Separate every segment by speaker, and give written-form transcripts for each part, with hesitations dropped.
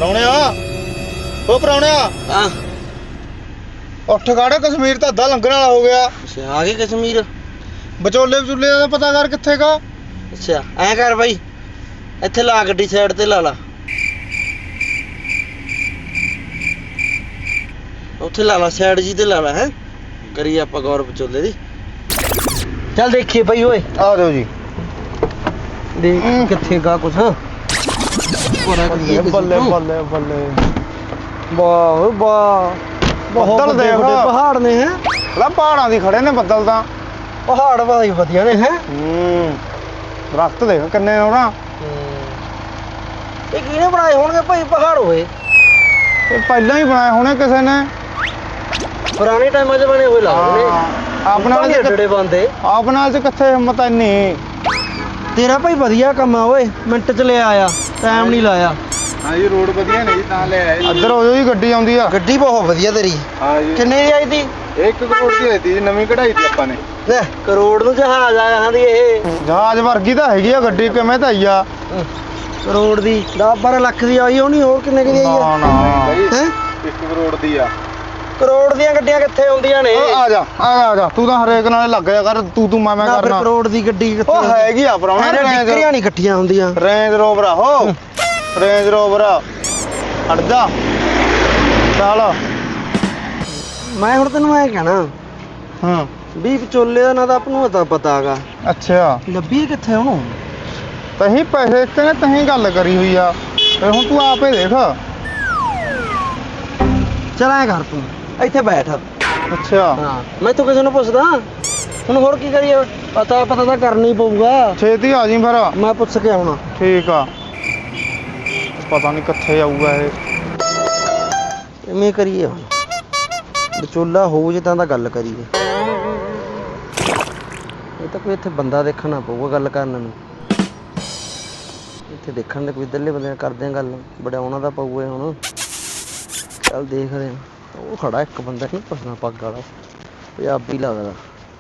Speaker 1: ਪ੍ਰਾਹੁਣਿਆ ਉਹ ਪ੍ਰਾਹੁਣਿਆ
Speaker 2: ਹਾਂ
Speaker 1: ਉੱਠ ਖੜ ਕਸ਼ਮੀਰ ਤਾਂ ਅੱਧਾ ਲੰਘਣ ਵਾਲਾ ਹੋ ਗਿਆ।
Speaker 2: ਅੱਛਾ ਆ ਗਏ ਕਸ਼ਮੀਰ।
Speaker 1: ਵਿਚੋਲੇ ਵਿਚੋਲੇ ਦਾ ਪਤਾ ਕਰ ਕਿੱਥੇ ਗਾ।
Speaker 2: ਅੱਛਾ ਐਂ ਕਰ ਬਾਈ ਇੱਥੇ ਲਾ ਗੱਡੀ ਸਾਈਡ ਤੇ ਲਾ ਲਾ ਉੱਥੇ ਲਾ ਲਾ ਸਾਈਡ ਜੀ ਤੇ ਲਾ ਲਾ ਹੈ ਕਰੀਏ ਆਪਾਂ ਗੌਰ ਵਿਚੋਲੇ ਦੀ। ਚੱਲ ਦੇਖੀਏ ਬਾਈ ਓਏ
Speaker 1: ਆ ਜਾਓ ਜੀ।
Speaker 2: ਦੇਖ ਕਿੱਥੇ ਗਾ ਕੁਛ
Speaker 1: ਬੱਲੇ ਬੱਲੇ ਬੱਲੇ ਬੱਲੇ
Speaker 2: ਵਾਹ ਓਏ ਵਾਹ ਬਹੁਤ
Speaker 1: ਬੱਦਲ
Speaker 2: ਵੱਡੇ
Speaker 1: ਦੇਖ।
Speaker 2: ਵੱਡੇ ਪਹਾੜ ਨੇ ਹੈ।
Speaker 1: ਲੈ ਪਹਾੜਾਂ ਦੀ ਖੜੇ ਨੇ ਬੱਦਲ ਤਾਂ।
Speaker 2: ਪਹਾੜ ਵਾਹੀ ਵਧੀਆ ਨੇ ਹੈ।
Speaker 1: ਦਰਖਤ ਦੇਖ ਕਿੰਨੇ ਹੋਣਾ।
Speaker 2: ਇਹ ਕਿਹਨੇ ਬਣਾਏ ਹੋਣਗੇ ਭਾਈ ਪਹਾੜ ਹੋਏ?
Speaker 1: ਇਹ ਪਹਿਲਾਂ ਹੀ ਬਣਾਏ ਹੋਣੇ ਕਿਸੇ ਨੇ।
Speaker 2: ਪੁਰਾਣੇ ਟਾਈਮਾਂ 'ਚ ਬਣੇ ਹੋਏ ਲੱਗਦੇ ਨੇ।
Speaker 1: ਆਪਣੇ ਵਾਲੇ
Speaker 2: ਏਡੇ ਬੰਦੇ
Speaker 1: ਆਪਣੇ ਵਾਲੇ 'ਚ ਕਿੱਥੇ ਹਿੰਮਤ ਇੰਨੀ।
Speaker 2: ਤੇਰਾ ਭਾਈ ਵਧੀਆ ਕੰਮ ਆ ਓਏ ਮਿੰਟ 'ਚ ਲੈ ਆਇਆ ਟਾਈਮ ਨਹੀਂ ਲਾਇਆ।
Speaker 1: ਹਾਂ ਜੀ ਰੋਡ ਵਧੀਆ ਨਹੀਂ ਤਾਂ ਲੈ ਆਏ। ਇੱਧਰ ਹੋ ਜਾਓ ਜੀ ਗੱਡੀ ਆਉਂਦੀ ਆ।
Speaker 2: ਗੱਡੀ ਬਹੁਤ ਵਧੀਆ ਤੇਰੀ।
Speaker 1: ਹਾਂ ਜੀ
Speaker 2: ਕਿੰਨੇ ਦੀ ਆਈ ਤੀ?
Speaker 1: 1 ਕਰੋੜ ਦੀ ਆਈ ਤੀ ਨਵੀਂ ਕਢਾਈ ਤੀ ਆਪਾਂ ਨੇ।
Speaker 2: ਲੈ ਕਰੋੜ ਨੂੰ ਜਹਾਜ਼ ਆਇਆ ਹਾਂ ਦੀ ਇਹ
Speaker 1: ਜਹਾਜ਼ ਵਰਗੀ ਤਾਂ ਹੈਗੀ ਆ ਗੱਡੀ ਕਿਵੇਂ ਤਾਂ ਆਈ ਆ।
Speaker 2: ਕਰੋੜ ਦੀ 10-12 ਲੱਖ ਦੀ ਆਈ ਹੋਣੀ ਹੋਰ ਕਿੰਨੇ ਦੀ ਆਈ ਆ?
Speaker 1: ਨਾ
Speaker 2: ਹੈ
Speaker 1: 1 ਕਰੋੜ ਦੀ ਆ।
Speaker 2: ਕਰੋੜ ਦੀਆਂ ਗੱਡੀਆਂ ਕਿੱਥੇ ਹੁੰਦੀਆਂ ਨੇ?
Speaker 1: ਆ ਜਾ ਆ ਜਾ ਤੂੰ ਤਾਂ ਹਰੇਕ ਨਾਲੇ ਲੱਗ ਜਾ ਕਰ ਤੂੰ ਮੈਂ
Speaker 2: ਨਾ ਫਿਰ
Speaker 1: ਕਰਨਾ।
Speaker 2: ਕਰੋੜ ਦੀ ਗੱਡੀ ਕਿੱਥੇ
Speaker 1: ਉਹ ਹੈਗੀ ਆ ਪ੍ਰਾਹੁਣਾ
Speaker 2: ਟਿੱਕਰੀਆਂ ਨਹੀਂ ਇਕੱਠੀਆਂ ਹੁੰਦੀਆਂ।
Speaker 1: ਰੇਂਜ ਰੋਵਰ ਆ ਹੋ ਰੇਂਜ ਰੋਵਰ ਹਟ ਜਾ ਚੱਲ।
Speaker 2: ਮੈਂ ਹੁਣ ਤੈਨੂੰ ਐ ਕਹਿਣਾ
Speaker 1: ਹਾਂ
Speaker 2: ਵੀ ਵਿਚੋਲੇ ਦਾ ਨਾ ਤਾਂ ਆਪ ਨੂੰ ਪਤਾ ਹੈਗਾ
Speaker 1: ਅੱਛਾ
Speaker 2: ਲੱਭੀ ਕਿੱਥੇ ਉਹਨੂੰ।
Speaker 1: ਤਹੀਂ ਪੈਸੇ ਦਿੱਤੇ ਨੇ ਤਹੀਂ ਗੱਲ ਕਰੀ ਹੋਈ ਆ ਤੇ ਹੁਣ ਤੂੰ ਆਪੇ ਦੇਖ।
Speaker 2: ਚੱਲ ਐ ਕਰ ਤੂੰ ਇੱਥੇ ਬੈਠ।
Speaker 1: ਅੱਛਾ
Speaker 2: ਹਾਂ ਮੈਂ ਤੂੰ ਕਿਸੇ ਨੂੰ ਪੁੱਛਦਾ ਹੁਣ ਹੋਰ ਕੀ ਕਰੀਏ ਪਤਾ ਤਾਂ ਕਰਨਾ ਹੀ ਪਊਗਾ।
Speaker 1: ਛੇਤੀ ਆ ਜੀ ਫਿਰ।
Speaker 2: ਮੈਂ ਪੁੱਛ ਕੇ ਆਉਣਾ।
Speaker 1: ਠੀਕ ਆ ਪਤਾ ਨਹੀਂ ਕਿੱਥੇ ਆਊਗਾ ਇਹ।
Speaker 2: ਐਵੇਂ ਕਰੀਏ ਹੁਣ ਵਿਚੋਲਾ ਹੋਊ ਜੇ ਤਾਂ ਗੱਲ ਕਰੀਏ। ਇਹ ਤਾਂ ਕੋਈ ਇੱਥੇ ਬੰਦਾ ਦੇਖਣਾ ਪਊਗਾ ਗੱਲ ਕਰਨ ਨੂੰ। ਇੱਥੇ ਦੇਖਣ ਦੇ ਕੋਈ ਇੱਧਰਲੇ ਬੰਦੇ ਨਾਲ ਕਰਦੇ ਆ ਗੱਲ ਵਡਾਉਣਾ ਤਾਂ ਪਊਗਾ ਹੁਣ। ਚੱਲ ਦੇਖਦੇ ਆ। ਉਹ ਖੜਾ ਇੱਕ ਬੰਦਾ ਨਹੀਂ ਪੁੱਛਣਾ ਪੱਗ ਵਾਲਾ ਪੰਜਾਬੀ ਲੱਗਦਾ।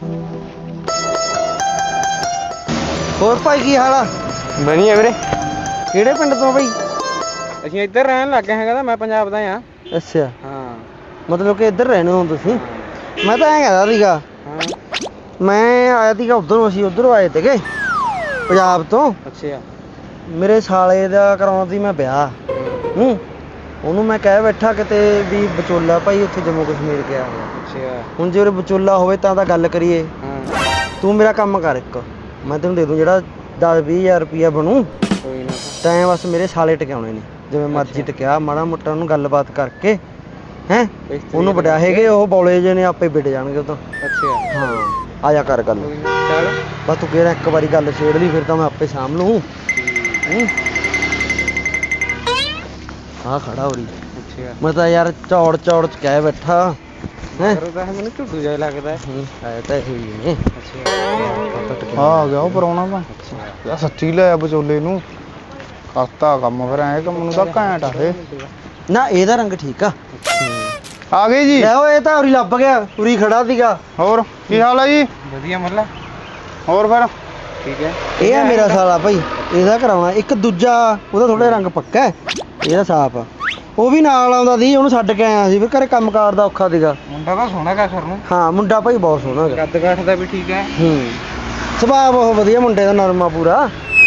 Speaker 2: ਹੋਰ ਭਾਈ ਕੀ ਹਾਲ ਆ?
Speaker 1: ਵਧੀਆ ਵੀਰੇ।
Speaker 2: ਕਿਹੜੇ ਪਿੰਡ ਤੋਂ ਭਾਈ?
Speaker 1: ਅਸੀਂ ਇੱਧਰ ਰਹਿਣ ਲੱਗ ਗਏ ਹੈਗਾ ਤਾਂ ਮੈਂ ਪੰਜਾਬ ਦਾ ਆ।
Speaker 2: ਅੱਛਾ
Speaker 1: ਹਾਂ
Speaker 2: ਮਤਲਬ ਕਿ ਇੱਧਰ ਰਹਿੰਦੇ ਹੋ ਤੁਸੀਂ? ਮੈਂ ਤਾਂ ਐਂ ਕਹਿੰਦਾ ਸੀਗਾ ਮੈਂ ਆਇਆ ਸੀਗਾ ਉੱਧਰੋਂ ਅਸੀਂ ਉੱਧਰੋਂ ਆਏ ਸੀਗੇ ਪੰਜਾਬ ਤੋਂ।
Speaker 1: ਅੱਛਾ
Speaker 2: ਮੇਰੇ ਸਾਲੇ ਦਾ ਕਰਾਉਣਾ ਸੀ ਮੈਂ ਵਿਆਹ। ਉਹਨੂੰ ਮੈਂ ਕਹਿ ਬੈਠਾ ਕਿਤੇ ਵੀ ਵਿਚੋਲਾ ਭਾਈ ਉੱਥੇ ਜੰਮੂ ਕਸ਼ਮੀਰ ਗਿਆ ਹੋਇਆ।
Speaker 1: ਅੱਛਾ
Speaker 2: ਹੁਣ ਜੇ ਉਹ ਵਿਚੋਲਾ ਹੋਵੇ ਤਾਂ ਗੱਲ ਕਰੀਏ। ਤੂੰ ਮੇਰਾ ਕੰਮ ਕਰ ਇੱਕ ਮੈਂ ਤੈਨੂੰ ਦੇ ਦੂੰ ਜਿਹੜਾ 10-20 ਹਜ਼ਾਰ ਰੁਪਈਆ ਬਣੂ।
Speaker 1: ਕੋਈ ਨਾ
Speaker 2: ਤੈਂ ਬਸ ਮੇਰੇ ਸਾਲੇ ਟਿਕਾਉਣੇ ਨੇ ਜਿਵੇਂ ਮਰਜ਼ੀ ਟਿਕਿਆ ਮਾੜਾ ਮੋਟਾ ਉਹਨੂੰ ਗੱਲਬਾਤ ਕਰਕੇ ਹੈਂ ਉਹਨੂੰ ਵਡਾਹੇਗੇ ਉਹ ਬੌਲੇ ਜਿਹੇ ਨੇ ਆਪੇ ਵਿੜ ਜਾਣਗੇ ਉਹ ਤਾਂ।
Speaker 1: ਅੱਛਾ
Speaker 2: ਹਾਂ ਆ ਜਾ ਕਰ ਗੱਲ।
Speaker 1: ਚੱਲ
Speaker 2: ਬਸ ਤੂੰ ਕਿਹੜਾ ਇੱਕ ਵਾਰੀ ਗੱਲ ਛੇੜ ਲਈ ਫਿਰ ਤਾਂ ਮੈਂ ਆਪੇ ਸਾਂਭ ਲੂੰ। ਆ ਖੜਾ ਹੋਰੀ।
Speaker 1: ਅੱਛਾ
Speaker 2: ਮੈਂ ਤਾਂ ਯਾਰ ਚੌੜ ਚ ਕਹਿ ਬੈਠਾ ਹੈ।
Speaker 1: ਮੈਨੂੰ ਝੁੱਡੂ ਜਿਹਾ ਲੱਗਦਾ।
Speaker 2: ਆਇਆ ਤਾਂ ਇਹੀ ਨੇ।
Speaker 1: ਆ ਗਿਆ ਉਹ ਪ੍ਰਾਹੁਣਾ ਤਾਂ। ਯਾਰ ਸੱਚੀ ਲੈ ਆ ਵਿਚੋਲੇ ਨੂੰ ਕਰਤਾ ਕੰਮ ਫਿਰ ਐ ਕੰਮ ਨੂੰ ਤਾਂ ਘੈਂਟ ਆ ਇਹ।
Speaker 2: ਨਾ ਇਹਦਾ ਰੰਗ ਠੀਕ ਆ
Speaker 1: ਗਏ ਜੀ।
Speaker 2: ਲੈ ਓਏ ਇਹ ਤਾਂ ਉਰੀ ਲੱਭ ਗਿਆ ਉਰੀ ਖੜਾ ਸੀਗਾ।
Speaker 1: ਹੋਰ ਕੀ ਹਾਲ ਆ ਜੀ? ਵਧੀਆ ਮੱਲਾ। ਹੋਰ ਫਿਰ ਠੀਕ ਹੈ।
Speaker 2: ਇਹ ਆ ਮੇਰਾ ਸਾਲਾ ਭਾਈ ਇਹਦਾ ਕਰਾਉਣਾ। ਇੱਕ ਦੂਜਾ ਉਹਦਾ ਥੋੜਾ ਰੰਗ ਪੱਕਾ ਇਹਦਾ ਸਾਫ ਆ। ਉਹ ਵੀ ਨਾਲ ਆਉਂਦਾ ਸੀ ਉਹਨੂੰ ਛੱਡ ਕੇ ਆਇਆ ਸੀ ਫਿਰ ਘਰੇ ਕੰਮਕਾਰ ਦਾ ਔਖਾ ਸੀਗਾ।
Speaker 1: ਮੁੰਡਾ ਤਾਂ ਸੋਹਣਾ ਗਾ ਸਰ ਨੂੰ।
Speaker 2: ਹਾਂ ਮੁੰਡਾ ਭਾਈ ਬਹੁਤ ਸੋਹਣਾ ਹੈਗਾ।
Speaker 1: ਕੱਦ ਕਾਠ ਦਾ ਵੀ ਠੀਕ ਹੈ।
Speaker 2: ਸੁਭਾਅ ਬਹੁਤ ਵਧੀਆ ਮੁੰਡੇ ਦਾ ਨਰਮਾ ਪੂਰਾ।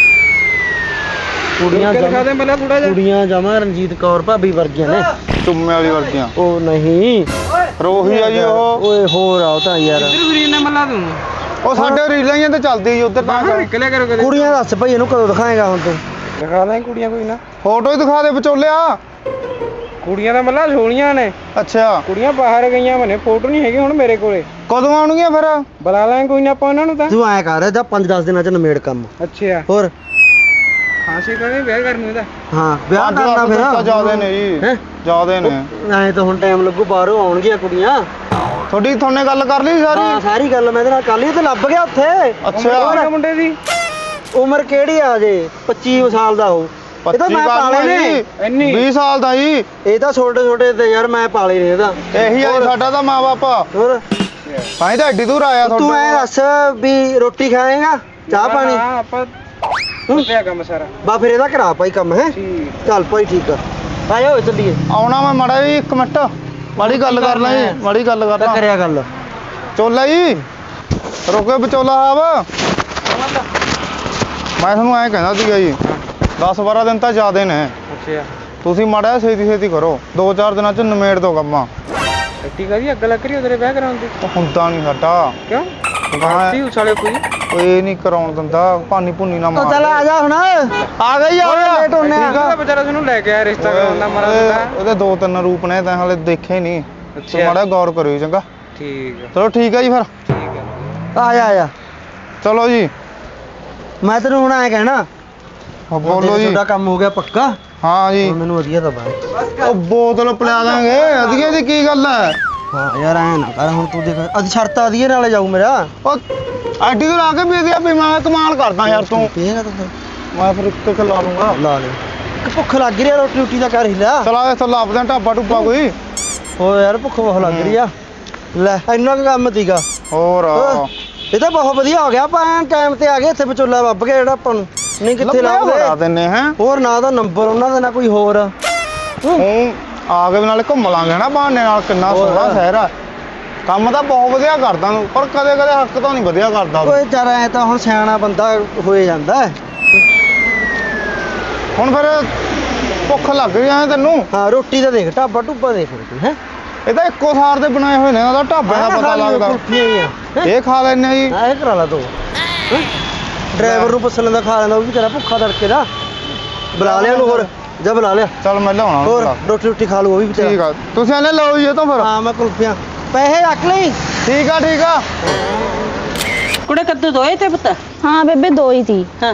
Speaker 2: ਕੁੜੀਆਂ ਜਮਾ ਰਣਜੀਤ ਕੌਰ ਭਾਬੀ ਵਰਗੀਆਂ ਨੇ।
Speaker 1: ਚੁੰਮੇ ਵਾਲੀ ਵਰਗੀਆਂ।
Speaker 2: ਉਹ ਨਹੀਂ
Speaker 1: ਰੋਹੀ ਆ ਜੀ ਉਹ।
Speaker 2: ਓਏ ਹੋਰ ਆ ਉਹ ਤਾਂ ਯਾਰ
Speaker 1: ਉਹ ਸਾਡੇ ਰੀਲਾਂ ਹੀ ਤੇ ਚੱਲਦੀ ਜੀ ਉੱਧਰ ਤਾਂ ਨਿਕਲਿਆ ਕਰੋ ਕਦੇ।
Speaker 2: ਕੁੜੀਆਂ ਦੱਸ ਭਾਈ ਇਹਨੂੰ ਕਦੋਂ ਦਿਖਾਏਗਾ ਹੁਣ ਤੂੰ?
Speaker 1: ਦਿਖਾ ਲੈ ਕੁੜੀਆਂ ਕੋਈ ਨਾ ਫੋਟੋ ਹੀ ਦਿਖਾ ਦੇ ਵਿਚੋਲਿਆ।
Speaker 3: ਕੁੜੀਆਂ ਦਾ ਮੱਲਾ ਸੋਹਣੀਆਂ ਨੇ।
Speaker 1: ਅੱਛਾ
Speaker 3: ਕੁੜੀਆਂ ਬਾਹਰ ਗਈਆਂ ਮਨੇ ਫੋਟੋ ਨਹੀਂ ਹੈਗੀ ਹੁਣ ਮੇਰੇ ਕੋਲੇ।
Speaker 1: ਕਦੋਂ ਆਉਣਗੀਆਂ ਫਿਰ?
Speaker 3: ਬੁਲਾ ਲਾਂਗੇ ਕੋਈ ਨਾ ਆਪਾਂ ਉਹਨਾਂ ਨੂੰ ਤਾਂ।
Speaker 2: ਤੂੰ ਐਂ ਕਰ ਜਾ 5-10 ਦਿਨਾਂ ਚ ਨਿਮੇੜ ਕੰਮ।
Speaker 3: ਅੱਛਾ
Speaker 2: ਹੋਰ
Speaker 3: ਖਾਂਸੀ ਕਰਨੀ ਵਿਆਹ ਕਰਨੀ ਇਹਦਾ।
Speaker 2: ਹਾਂ ਵਿਆਹ ਕਰਨਾ ਫਿਰ
Speaker 1: ਤਾਂ ਜ਼ਿਆਦੇ ਨੇ ਜੀ ਜ਼ਿਆਦੇ ਨੇ।
Speaker 2: ਐਂ ਤਾਂ ਹੁਣ ਟਾਈਮ ਲੱਗੂ ਬਾਹਰੋਂ ਆਉਣਗੀਆਂ ਕੁੜੀਆਂ।
Speaker 1: ਤੁਹਾਨੇ ਗੱਲ ਕਰ ਲਈ ਸਾਰੀ?
Speaker 2: ਹਾਂ ਸਾਰੀ ਗੱਲ ਮੈਂ ਇਹਦੇ ਨਾਲ ਕਰ ਲਈ ਤੇ ਲੱਭ ਗਿਆ ਉੱਥੇ।
Speaker 1: ਅੱਛਾ
Speaker 3: ਮੁੰਡੇ ਦੀ
Speaker 2: ਉਮਰ ਕਿਹੜੀ ਆ ਜੇ 25 ਸਾਲ ਦਾ ਹੋਊ। ਇਹ ਤਾਂ ਮੈਂ ਪਾਲੇ ਨੇ।
Speaker 3: ਇੰਨੀ
Speaker 1: 20 ਸਾਲ ਦਾ ਜੀ।
Speaker 2: ਇਹ ਤਾਂ ਛੋਟੇ ਤੇ ਯਾਰ ਮੈਂ ਪਾਲੇ ਨੇ ਇਹਦਾ।
Speaker 1: ਇਹੀ ਆ ਸਾਡਾ ਤਾਂ ਮਾਂ ਬਾਪ।
Speaker 2: ਹੋਰ
Speaker 1: ਤਾਂ ਹੀ ਤਾਂ ਐਡੀ ਦੂਰ ਆਇਆ
Speaker 2: ਤੂੰ ਐ ਦੱਸ ਵੀ ਰੋਟੀ ਖਾਏਗਾ ਚਾਹ ਪਾਣੀ?
Speaker 3: ਹਾਂ ਆਪਾਂ ਕੁੱਤਿਆ ਕੰਮ ਸਾਰਾ।
Speaker 2: ਬਾ ਫਿਰ ਇਹਦਾ ਕਰਾ ਭਾਈ ਕੰਮ ਹੈ। ਚੱਲ ਭਾਈ ਠੀਕ ਆ ਆ ਜਾ ਓਏ ਚੱਲੀਏ।
Speaker 1: ਆਉਣਾ ਮੈਂ ਮਾੜਾ ਜੀ 1 ਮਿੰਟ, ਮਾੜੀ ਗੱਲ ਕਰ ਲਾਂ ਜੀ, ਮਾੜੀ ਗੱਲ ਕਰ
Speaker 2: ਤਾਂ
Speaker 1: ਲਾਂ।
Speaker 2: ਕਰਿਆ ਗੱਲ।
Speaker 1: ਚੋਲਾ ਜੀ ਰੁਕੇ ਵਿਚੋਲਾ ਸਾਹਿਬ, ਮੈਂ ਤੁਹਾਨੂੰ ਐਂ ਕਹਿੰਦਾ ਸੀਗਾ ਜੀ 10-12 ਦਿਨ ਤਾਂ ਜ਼ਿਆਦੇ ਨੇ,
Speaker 3: ਅੱਛਾ
Speaker 1: ਤੁਸੀਂ ਮਾੜਾ ਜਿਹਾ ਛੇਤੀ ਕਰੋ, 2-4 ਦਿਨਾਂ ਚ ਨਿਮੇੜ ਦੋ ਕੰਮਾਂ।
Speaker 3: ਐਡੀ ਕਾਹਦੀ ਅੱਗ ਲੱਗ ਰਹੀ ਉਹਦੇ ਵਿਆਹ ਕਰਾਉਣ ਦੀ?
Speaker 1: ਉਹ ਹੁੰਦਾ ਨਹੀਂ ਸਾਡਾ
Speaker 3: ਕਿਉਂ
Speaker 1: ਗਾਂ
Speaker 3: ਸੀ ਉਛਾਲੇ ਕੋਈ?
Speaker 1: ਇਹ ਨਹੀਂ ਕਰਾਉਣ ਦਿੰਦਾ, ਭਾਨੀ ਭੁੰਨੀ ਨਾ ਮਾਰ।
Speaker 2: ਚੱਲ ਆ ਜਾ ਹੁਣ,
Speaker 1: ਆ ਗਈ ਆ ਗਿਆ
Speaker 2: ਲੇਟ ਹੋਣੇ ਆ।
Speaker 3: ਉਹਦਾ ਵਿਚਾਰਾ ਤੁਹਾਨੂੰ ਲੈ ਕੇ ਆਇਆ ਰਿਸ਼ਤਾ ਕਰਾਉਣ ਦਾ ਮਰਾ ਦਿੱਤਾ।
Speaker 1: ਉਹਦੇ 2-3 ਰੂਪ ਨੇ ਤਾਂ ਹਲੇ ਦੇਖੇ ਨਹੀਂ, ਤੂੰ
Speaker 3: ਅੱਛਾ।
Speaker 1: ਮਾੜਾ ਗੌਰ ਕਰਿਓ ਚੰਗਾ।
Speaker 3: ਠੀਕ ਆ
Speaker 1: ਚਲੋ ਠੀਕ ਆ ਜੀ ਫਿਰ,
Speaker 3: ਠੀਕ ਆ।
Speaker 2: ਆ ਜਾ
Speaker 1: ਚਲੋ ਜੀ।
Speaker 2: ਮੈਂ ਤੈਨੂੰ ਹੁਣ ਐ ਕਹਿਣਾ,
Speaker 1: ਬੋਲੋ ਜੀ।
Speaker 2: ਤੁਹਾਡਾ ਕੰਮ ਹੋ ਗਿਆ ਪੱਕਾ?
Speaker 1: ਹਾਂ ਜੀ।
Speaker 2: ਹੁਣ ਮੈਨੂੰ ਵਧੀਆ ਦਬਾ।
Speaker 1: ਉਹ ਬੋਤਲ ਪਿਲਾ ਦਾਂਗੇ, ਅਧੀਏ ਦੀ ਕੀ ਗੱਲ ਹੈ?
Speaker 2: ਹਾਂ ਯਾਰ ਐ ਨਾ ਕਰ ਹੁਣ, ਤੂੰ ਦੇਖ ਅੱਜ ਸ਼ਰਤ ਆਦੀਏ ਨਾਲੇ ਜਾਊ ਮੇਰਾ।
Speaker 1: ਉਹ ਆਡੀ ਤੋਂ ਲਾ ਕੇ ਪੀਦੀਆ ਵੀ ਮੈਂ ਕਮਾਲ ਕਰਦਾ ਯਾਰ ਤੂੰ।
Speaker 2: ਪੀਏਗਾ ਤੂੰ?
Speaker 1: ਮੈਂ ਫਿਰ ਇੱਕ ਲਾ ਲੂੰਗਾ।
Speaker 2: ਲਾ ਲੈ, ਭੁੱਖ ਲੱਗ ਰਹੀ ਆ, ਰੋਟੀ ਰੋਟੀ ਦਾ ਕਰ ਹੀ ਲਿਆ।
Speaker 1: ਚਲਾ ਇੱਥੋਂ ਲੱਭਦੇ ਢਾਬਾ ਟੁੱਬਾ ਕੋਈ।
Speaker 2: ਓ ਯਾਰ ਭੁੱਖ ਬਹੁਤ ਲੱਗ ਰਹੀ ਆ। ਲੈ ਇੰਨਾ ਕੁ ਕੰਮ ਸੀਗਾ।
Speaker 1: ਹੋਰ
Speaker 2: ਇਹ ਤਾਂ ਬਹੁਤ ਵਧੀਆ ਹੋ ਗਿਆ, ਆਪਾਂ ਟਾਈਮ ਤੇ ਆ ਗਏ, ਇੱਥੇ ਵਿਚੋਲਾ ਵੱਬ ਗਿਆ ਜਿਹੜਾ ਆਪਾਂ ਨੂੰ, ਨਹੀਂ ਕਿੱਥੇ
Speaker 1: ਬਣਾ
Speaker 2: ਲੱਭਦੇ।
Speaker 1: ਦਿੰਨੇ ਹੈ।
Speaker 2: ਹੋਰ ਨਾ ਦਾ ਨੰਬਰ ਉਹਨਾਂ ਦਾ, ਨਾ ਕੋਈ ਹੋਰ।
Speaker 1: ਹੁਣ ਆ ਕੇ ਨਾਲੇ ਘੁੰਮ ਲਾਂਗੇ ਨਾ ਬਹਾਨੇ ਨਾਲ, ਕਿੰਨਾ ਸੋਹਣਾ ਸ਼ਹਿਰ ਆ। ਕੰਮ ਤਾਂ ਬਹੁਤ ਵਧੀਆ ਕਰਦਾ ਤੂੰ, ਪਰ ਕਦੇ ਕਦੇ ਹੱਕ ਤਾਂ ਨਹੀਂ ਵਧੀਆ ਕਰਦਾ ਤੂੰ।
Speaker 2: ਓਏ ਚੱਲ ਐ ਤਾਂ ਹੁਣ ਸਿਆਣਾ ਬੰਦਾ ਹੋਏ ਜਾਂਦਾ।
Speaker 1: ਹੁਣ ਫਿਰ ਭੁੱਖ ਲੱਗ ਰਹੀ ਐ ਤੈਨੂੰ।
Speaker 2: ਹਾਂ ਰੋਟੀ ਤਾਂ ਦੇਖ, ਢਾਬਾ ਟੁੱਬਾ ਦੇਖ ਤੂੰ। ਹੈ
Speaker 1: ਇਹ ਤਾਂ ਇੱਕੋ ਥਾਰ ਦੇ ਬਣਾਏ ਹੋਏ ਨੇ, ਉਹਦਾ ਢਾਬੇ ਦਾ ਪਤਾ ਲੱਗਦਾ। ਇਹ ਖਾ ਲੈਣੇ ਜੀ।
Speaker 2: ਇਹ ਕਰਾ ਲਾ ਤੂੰ, ਡਰਾਈਵਰ ਨੂੰ ਪੁੱਛ ਲੈਂਦਾ, ਖਾ ਲੈਂਦਾ, ਉਹ ਵੀ ਤੇਰਾ ਭੁੱਖਾ ਤੜਕੇ ਦਾ। ਬੁਲਾ ਲਿਆ ਉਹਨੂੰ, ਹੋਰ ਜਾ ਬੁਲਾ ਲਿਆ।
Speaker 1: ਚੱਲ ਮੈਂ ਲਿਆਉਣਾ ਉਹਨੂੰ
Speaker 2: ਹੋਰ
Speaker 1: ਭਲਾ।
Speaker 2: ਰੋਟੀ ਰੋਟੀ ਖਾ ਲੂ ਉਹ ਵੀ ਵਿਚਾਰਾ।
Speaker 1: ਠੀਕ ਆ, ਤੁਸੀਂ ਇਹਨੇ ਲਓ ਜੀ ਇਹ ਤੋਂ ਫਿਰ।
Speaker 2: ਹਾਂ ਮੈਂ ਕੁਲਫੀਆਂ, ਪੈਸੇ ਰੱਖ ਲਈ।
Speaker 1: ਠੀਕ ਆ ਠੀਕ ਆ।
Speaker 4: ਕੁੜੇ ਕੱਦੂ ਦੋਏ ਤੇ ਪੁੱਤ?
Speaker 5: ਹਾਂ ਬੇਬੇ 2 ਹੀ ਸੀ।
Speaker 4: ਹਾਂ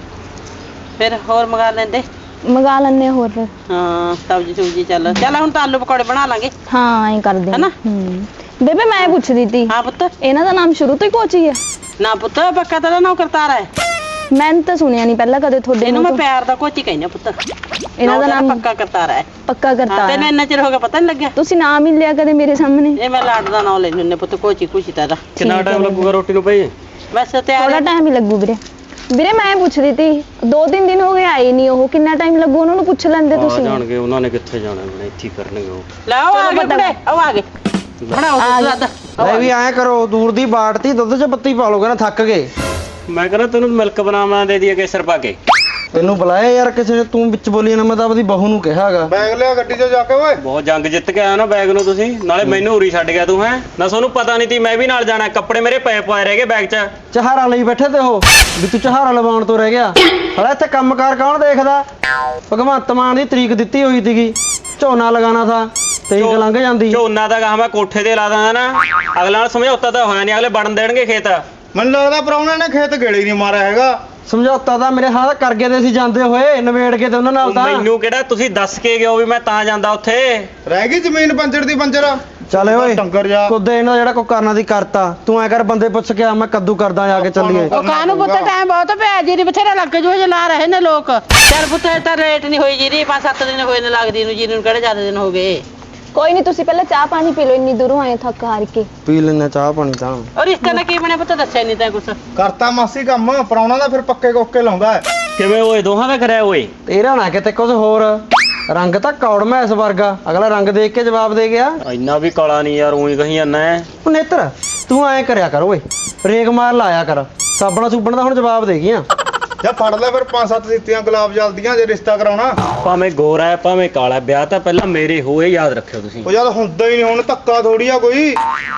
Speaker 4: ਫਿਰ ਹੋਰ ਮੰਗਾ ਲੈਂਦੇ।
Speaker 5: ਮੰਗਾ ਲੈਣੇ ਹੋਰ ਫਿਰ।
Speaker 4: ਹਾਂ ਸਬਜ਼ੀ ਸੁਬਜੀ ਚੱਲ ਹੁਣ ਤਾਂ ਆਲੂ ਪਕੌੜੇ ਬਣਾ ਲਾਂਗੇ।
Speaker 5: ਹਾਂ ਐਂ ਕਰਦੇ
Speaker 4: ਹੈਨਾ?
Speaker 5: ਬੇਬੇ ਮੈਂ ਪੁੱਛਦੀ ਤੀ,
Speaker 4: ਹਾਂ ਪੁੱਤ।
Speaker 5: ਇਹਨਾਂ ਦਾ ਨਾਮ ਸ਼ੁਰੂ ਤੋਂ ਹੀ ਕੋਚੀ ਹੈ?
Speaker 4: ਨਾ ਪੁੱਤ ਪੱਕਾ ਤੇਰਾ ਨਾਮ ਕਰਤਾਰ ਹੈ।
Speaker 5: ਮੈਂ ਤਾਂ ਸੁਣਿਆ ਨਹੀਂ ਪਹਿਲਾਂ ਕਦੇ ਤੁਹਾਡੇ
Speaker 4: ਇਹਨੂੰ ਮੈਂ
Speaker 5: ਮੂੰਹ ਤੋਂ।
Speaker 4: ਪਿਆਰ ਦਾ ਕੋਚੀ ਕਹਿੰਦੀ ਆ ਪੁੱਤ।
Speaker 5: ਇਹਨਾਂ ਦਾ ਨਾਮ
Speaker 4: ਪੱਕਾ ਕਰਤਾਰ ਹੈ।
Speaker 5: ਪੱਕਾ
Speaker 4: ਹਾਂ
Speaker 5: ਕਰਤਾ
Speaker 4: ਤੈਨੂੰ ਇੰਨਾ ਚਿਰ ਹੋ ਗਿਆ ਪਤਾ ਨਹੀਂ ਲੱਗਿਆ?
Speaker 5: ਤੁਸੀਂ ਨਾਮ ਹੀ ਨੀ ਲਿਆ ਕਦੇ ਮੇਰੇ ਸਾਹਮਣੇ।
Speaker 4: ਇਹ ਮੈਂ ਲਾਡ ਦਾ ਨਾਮ ਲੈਣੀ ਹੁੰਨੇ ਪੁੱਤ, ਕੋਚੀ ਕੁਛੀ ਤੇਰਾ।
Speaker 5: ਕਿੰਨਾ ਟਾਈਮ ਲੱਗੂਗਾ
Speaker 2: ਰੋਟੀ ਨੂੰ ਭਾਈ?
Speaker 4: ਵੈਸੇ ਤੇ
Speaker 5: ਥੋੜਾ ਟਾਈਮ ਹੀ ਲੱਗੂ ਵੀਰੇ। ਵੀਰੇ ਮੈਂ ਪੁੱਛਦੀ ਤੀ 2-3 ਦਿਨ ਹੋ ਗਏ ਆਏ ਨਹੀਂ ਉਹ, ਕਿੰਨਾ ਟਾਈਮ ਲੱਗੂ ਉਹਨਾਂ ਨੂੰ ਪੁੱਛ ਲੈਂਦੇ ਤੁਸੀਂ।
Speaker 2: ਜਾਣਗੇ ਉਹਨਾਂ ਨੇ, ਕਿੱਥੇ ਜਾਣਾ, ਇੱਥੇ ਹੀ ਕਰਨਗੇ ਉਹ।
Speaker 4: ਲੈ ਉਹ ਆ ਗਏ ਕੁੜੇ, ਉਹ ਆ ਗਏ। ਬਣਾਓ ਦੁੱਧ।
Speaker 2: ਲੈ ਵੀ ਐਂ ਕਰੋ, ਦੂਰ ਦੀ ਬਾਟਤੀ ਦੁੱਧ 'ਚ ਪੱਤੀ ਪਾ ਲੋਗੇ ਨਾ, ਥੱਕ ਗਏ।
Speaker 6: ਮੈਂ ਕਹਿੰਦਾ ਤੈਨੂੰ ਮਿਲਕ ਬਨਾਨਾ ਦੇ ਦਈਏ ਕੇਸਰ ਪਾ ਕੇ।
Speaker 2: ਤੈਨੂੰ ਬੁਲਾਇਆ ਯਾਰ ਕਿਸੇ ਨੇ, ਤੂੰ ਵਿੱਚ ਬੋਲੀ ਨਾ, ਮੈਂ ਤਾਂ ਆਪਣੀ ਬਹੂ ਨੂੰ ਕਿਹਾਗਾ।
Speaker 1: ਬੈਗ ਲਿਆ ਗੱਡੀ 'ਚ ਜਾ ਕੇ ਓਏ।
Speaker 6: ਬਹੁਤ ਜੰਗ ਜਿੱਤ ਕੇ ਆਇਆ ਨਾ ਬੈਗ ਨੂੰ ਤੁਸੀਂ, ਨਾਲੇ ਮੈਨੂੰ ਉਰੀ ਛੱਡ ਗਿਆ ਤੂੰ। ਹੈ ਨਾ ਤੁਹਾਨੂੰ ਪਤਾ ਨਹੀਂ ਤੀ ਮੈਂ ਵੀ ਨਾਲ ਜਾਣਾ, ਕੱਪੜੇ ਮੇਰੇ ਪਏ ਪਾਏ ਰਹਿ ਗਏ ਬੈਗ 'ਚ।
Speaker 2: ਚਹਾਰਾ ਲਈ ਬੈਠੇ ਤੇ ਉਹ ਵੀ ਤੂੰ ਚਹਾਰਾ ਲਵਾਉਣ ਤੋਂ ਰਹਿ ਗਿਆ। ਹਲਾ ਇੱਥੇ ਕੰਮਕਾਰ ਕੌਣ ਦੇਖਦਾ? ਭਗਵੰਤ ਮਾਨ ਦੀ ਤਰੀਕ ਦਿੱਤੀ ਹੋਈ ਸੀਗੀ, ਝੋਨਾ ਲਗਾਉਣਾ ਥਾ, ਤਰੀਕ ਲੰਘ ਜਾਂਦੀ।
Speaker 6: ਝੋਨਾ ਦਾ ਕਹਾ ਮੈਂ ਕੋਠੇ ਤੇ ਲਾ ਦਾਂ ਨਾ, ਅਗਲਾ ਨਾਲ ਸਮਝੌਤਾ ਤਾਂ ਹੋਇਆ ਨਹੀਂ, ਅਗਲੇ ਵੜਨ ਦੇਣਗੇ ਖੇਤ।
Speaker 1: ਮੈਨੂੰ ਲੱਗਦਾ ਪ੍ਰਾਹੁਣੇ ਨੇ ਖੇਤ ਗੇੜੇ ਨਹੀਂ ਮਾਰਿਆ ਹੈਗਾ।
Speaker 2: ਸਮਝੌਤਾ ਤਾਂ ਮੇਰੇ ਹਾਲ ਕਰ ਗਏ ਤੇ ਸੀ ਜਾਂਦੇ ਹੋਏ, ਨਵੇੜ ਕੇ ਤੇ ਉਹਨਾਂ ਨਾਲ ਤਾਂ।
Speaker 6: ਮੈਨੂੰ ਕਿਹੜਾ ਤੁਸੀਂ ਦੱਸ ਕੇ ਗਿਓ ਵੀ ਮੈਂ ਤਾਂ ਜਾਂਦਾ ਉੱਥੇ।
Speaker 1: ਰਹਿ ਗਈ ਜ਼ਮੀਨ ਪੰਜਰ ਦੀ ਪੰਜਰ।
Speaker 2: ਚੱਲ ਓਏ
Speaker 1: ਡੰਗਰ ਜਾ
Speaker 2: ਕੁੱਦੇ ਇਹਨਾਂ ਜਿਹੜਾ ਕੋ ਕਰਨਾ ਦੀ ਕਰਤਾ, ਤੂੰ ਐ ਕਰ ਬੰਦੇ ਪੁੱਛ ਕੇ ਆ, ਮੈਂ ਕੱਦੂ ਕਰਦਾ ਜਾ ਕੇ ਚੱਲੀਏ।
Speaker 4: ਉਹ ਕਾਹਨੂੰ ਪੁੱਤ ਟਾਈਮ ਬਹੁਤ ਪਿਆ, ਜੀਰੀ ਬਥੇਰਾ ਲੱਗ ਜੂ ਜੇ ਲਾ ਰਹੇ ਨੇ ਲੋਕ। ਚੱਲ ਪੁੱਤ ਇਹ ਤਾਂ ਰੇਟ ਨਹੀਂ ਹੋਈ ਜੀਰੀ, 5-7 ਦਿਨ ਹੋਏ ਨੇ ਲੱਗਦੀ ਨੂੰ, ਜੀਰੀ ਨੂੰ ਕਿਹੜੇ ਜ਼ਿਆਦਾ ਦਿਨ ਹੋ ਗਏ।
Speaker 5: ਕੋਈ ਨਹੀਂ ਤੁਸੀਂ ਪਹਿਲਾਂ ਚਾਹ ਪਾਣੀ ਪੀ ਲਓ, ਇੰਨੀ ਦੂਰੋਂ ਆਏ ਥੱਕ ਹਾਰ ਕੇ।
Speaker 2: ਪੀ ਲੈਣਾ ਚਾਹ ਪਾਣੀ ਤਾਂ।
Speaker 4: ਔਰ ਰਿਸ਼ਤੇ ਨਾਲ ਕੀ ਬਣਿਆ ਪੁੱਤ, ਦੱਸਿਆ ਨਹੀਂ ਤਾਂ ਕੁਛ।
Speaker 1: ਕਰਤਾ ਮਾਸੀ ਕੰਮ, ਪ੍ਰਾਹੁਣਾ ਦਾ ਫਿਰ ਪੱਕੇ ਕੋਕੇ ਲਾਉਂਦਾ ਹੈ।
Speaker 6: ਕਿਵੇਂ ਓਏ ਦੋਹਾਂ ਦਾ ਕਰਿਆ ਓਏ?
Speaker 2: ਤੇਰਾ ਨਾ ਕਿਤੇ ਕੁਝ ਹੋਰ, ਰੰਗ ਤਾਂ ਕੌੜ ਮੈਸ ਵਰਗਾ, ਅਗਲਾ ਰੰਗ ਦੇਖ ਕੇ ਜਵਾਬ ਦੇ ਗਿਆ।
Speaker 6: ਇੰਨਾ ਵੀ ਕਾਲਾ ਨਹੀਂ ਯਾਰ, ਉਹੀ ਕਹੀ ਜਾਂਦਾ ਹੈ।
Speaker 2: ਉਹ ਨੇਤਰ ਤੂੰ ਐਂ ਕਰਿਆ ਕਰ ਓਏ, ਰੇਗ ਮਾਰ ਲਾਇਆ ਕਰ, ਸਾਬਣਾ ਸੁਬਣ ਦਾ ਹੁਣ ਜਵਾਬ ਦੇ ਗਈਆਂ।
Speaker 1: ਜਾਂ ਫੜ ਲੈ ਫਿਰ 5-7 ਦਿੱਤੀਆਂ ਗੁਲਾਬ ਜਲਦੀਆਂ ਜੇ ਰਿਸ਼ਤਾ ਕਰਾਉਣਾ।
Speaker 6: ਭਾਵੇਂ ਗੋਰਾ ਹੈ ਭਾਵੇਂ ਕਾਲਾ, ਵਿਆਹ ਤਾਂ ਪਹਿਲਾਂ ਮੇਰੇ ਹੋਏ, ਯਾਦ ਰੱਖਿਓ ਤੁਸੀਂ।
Speaker 1: ਉਹ ਜਦ ਹੁੰਦਾ ਹੀ ਨਹੀਂ, ਹੁਣ ਧੱਕਾ ਥੋੜੀ ਆ ਕੋਈ।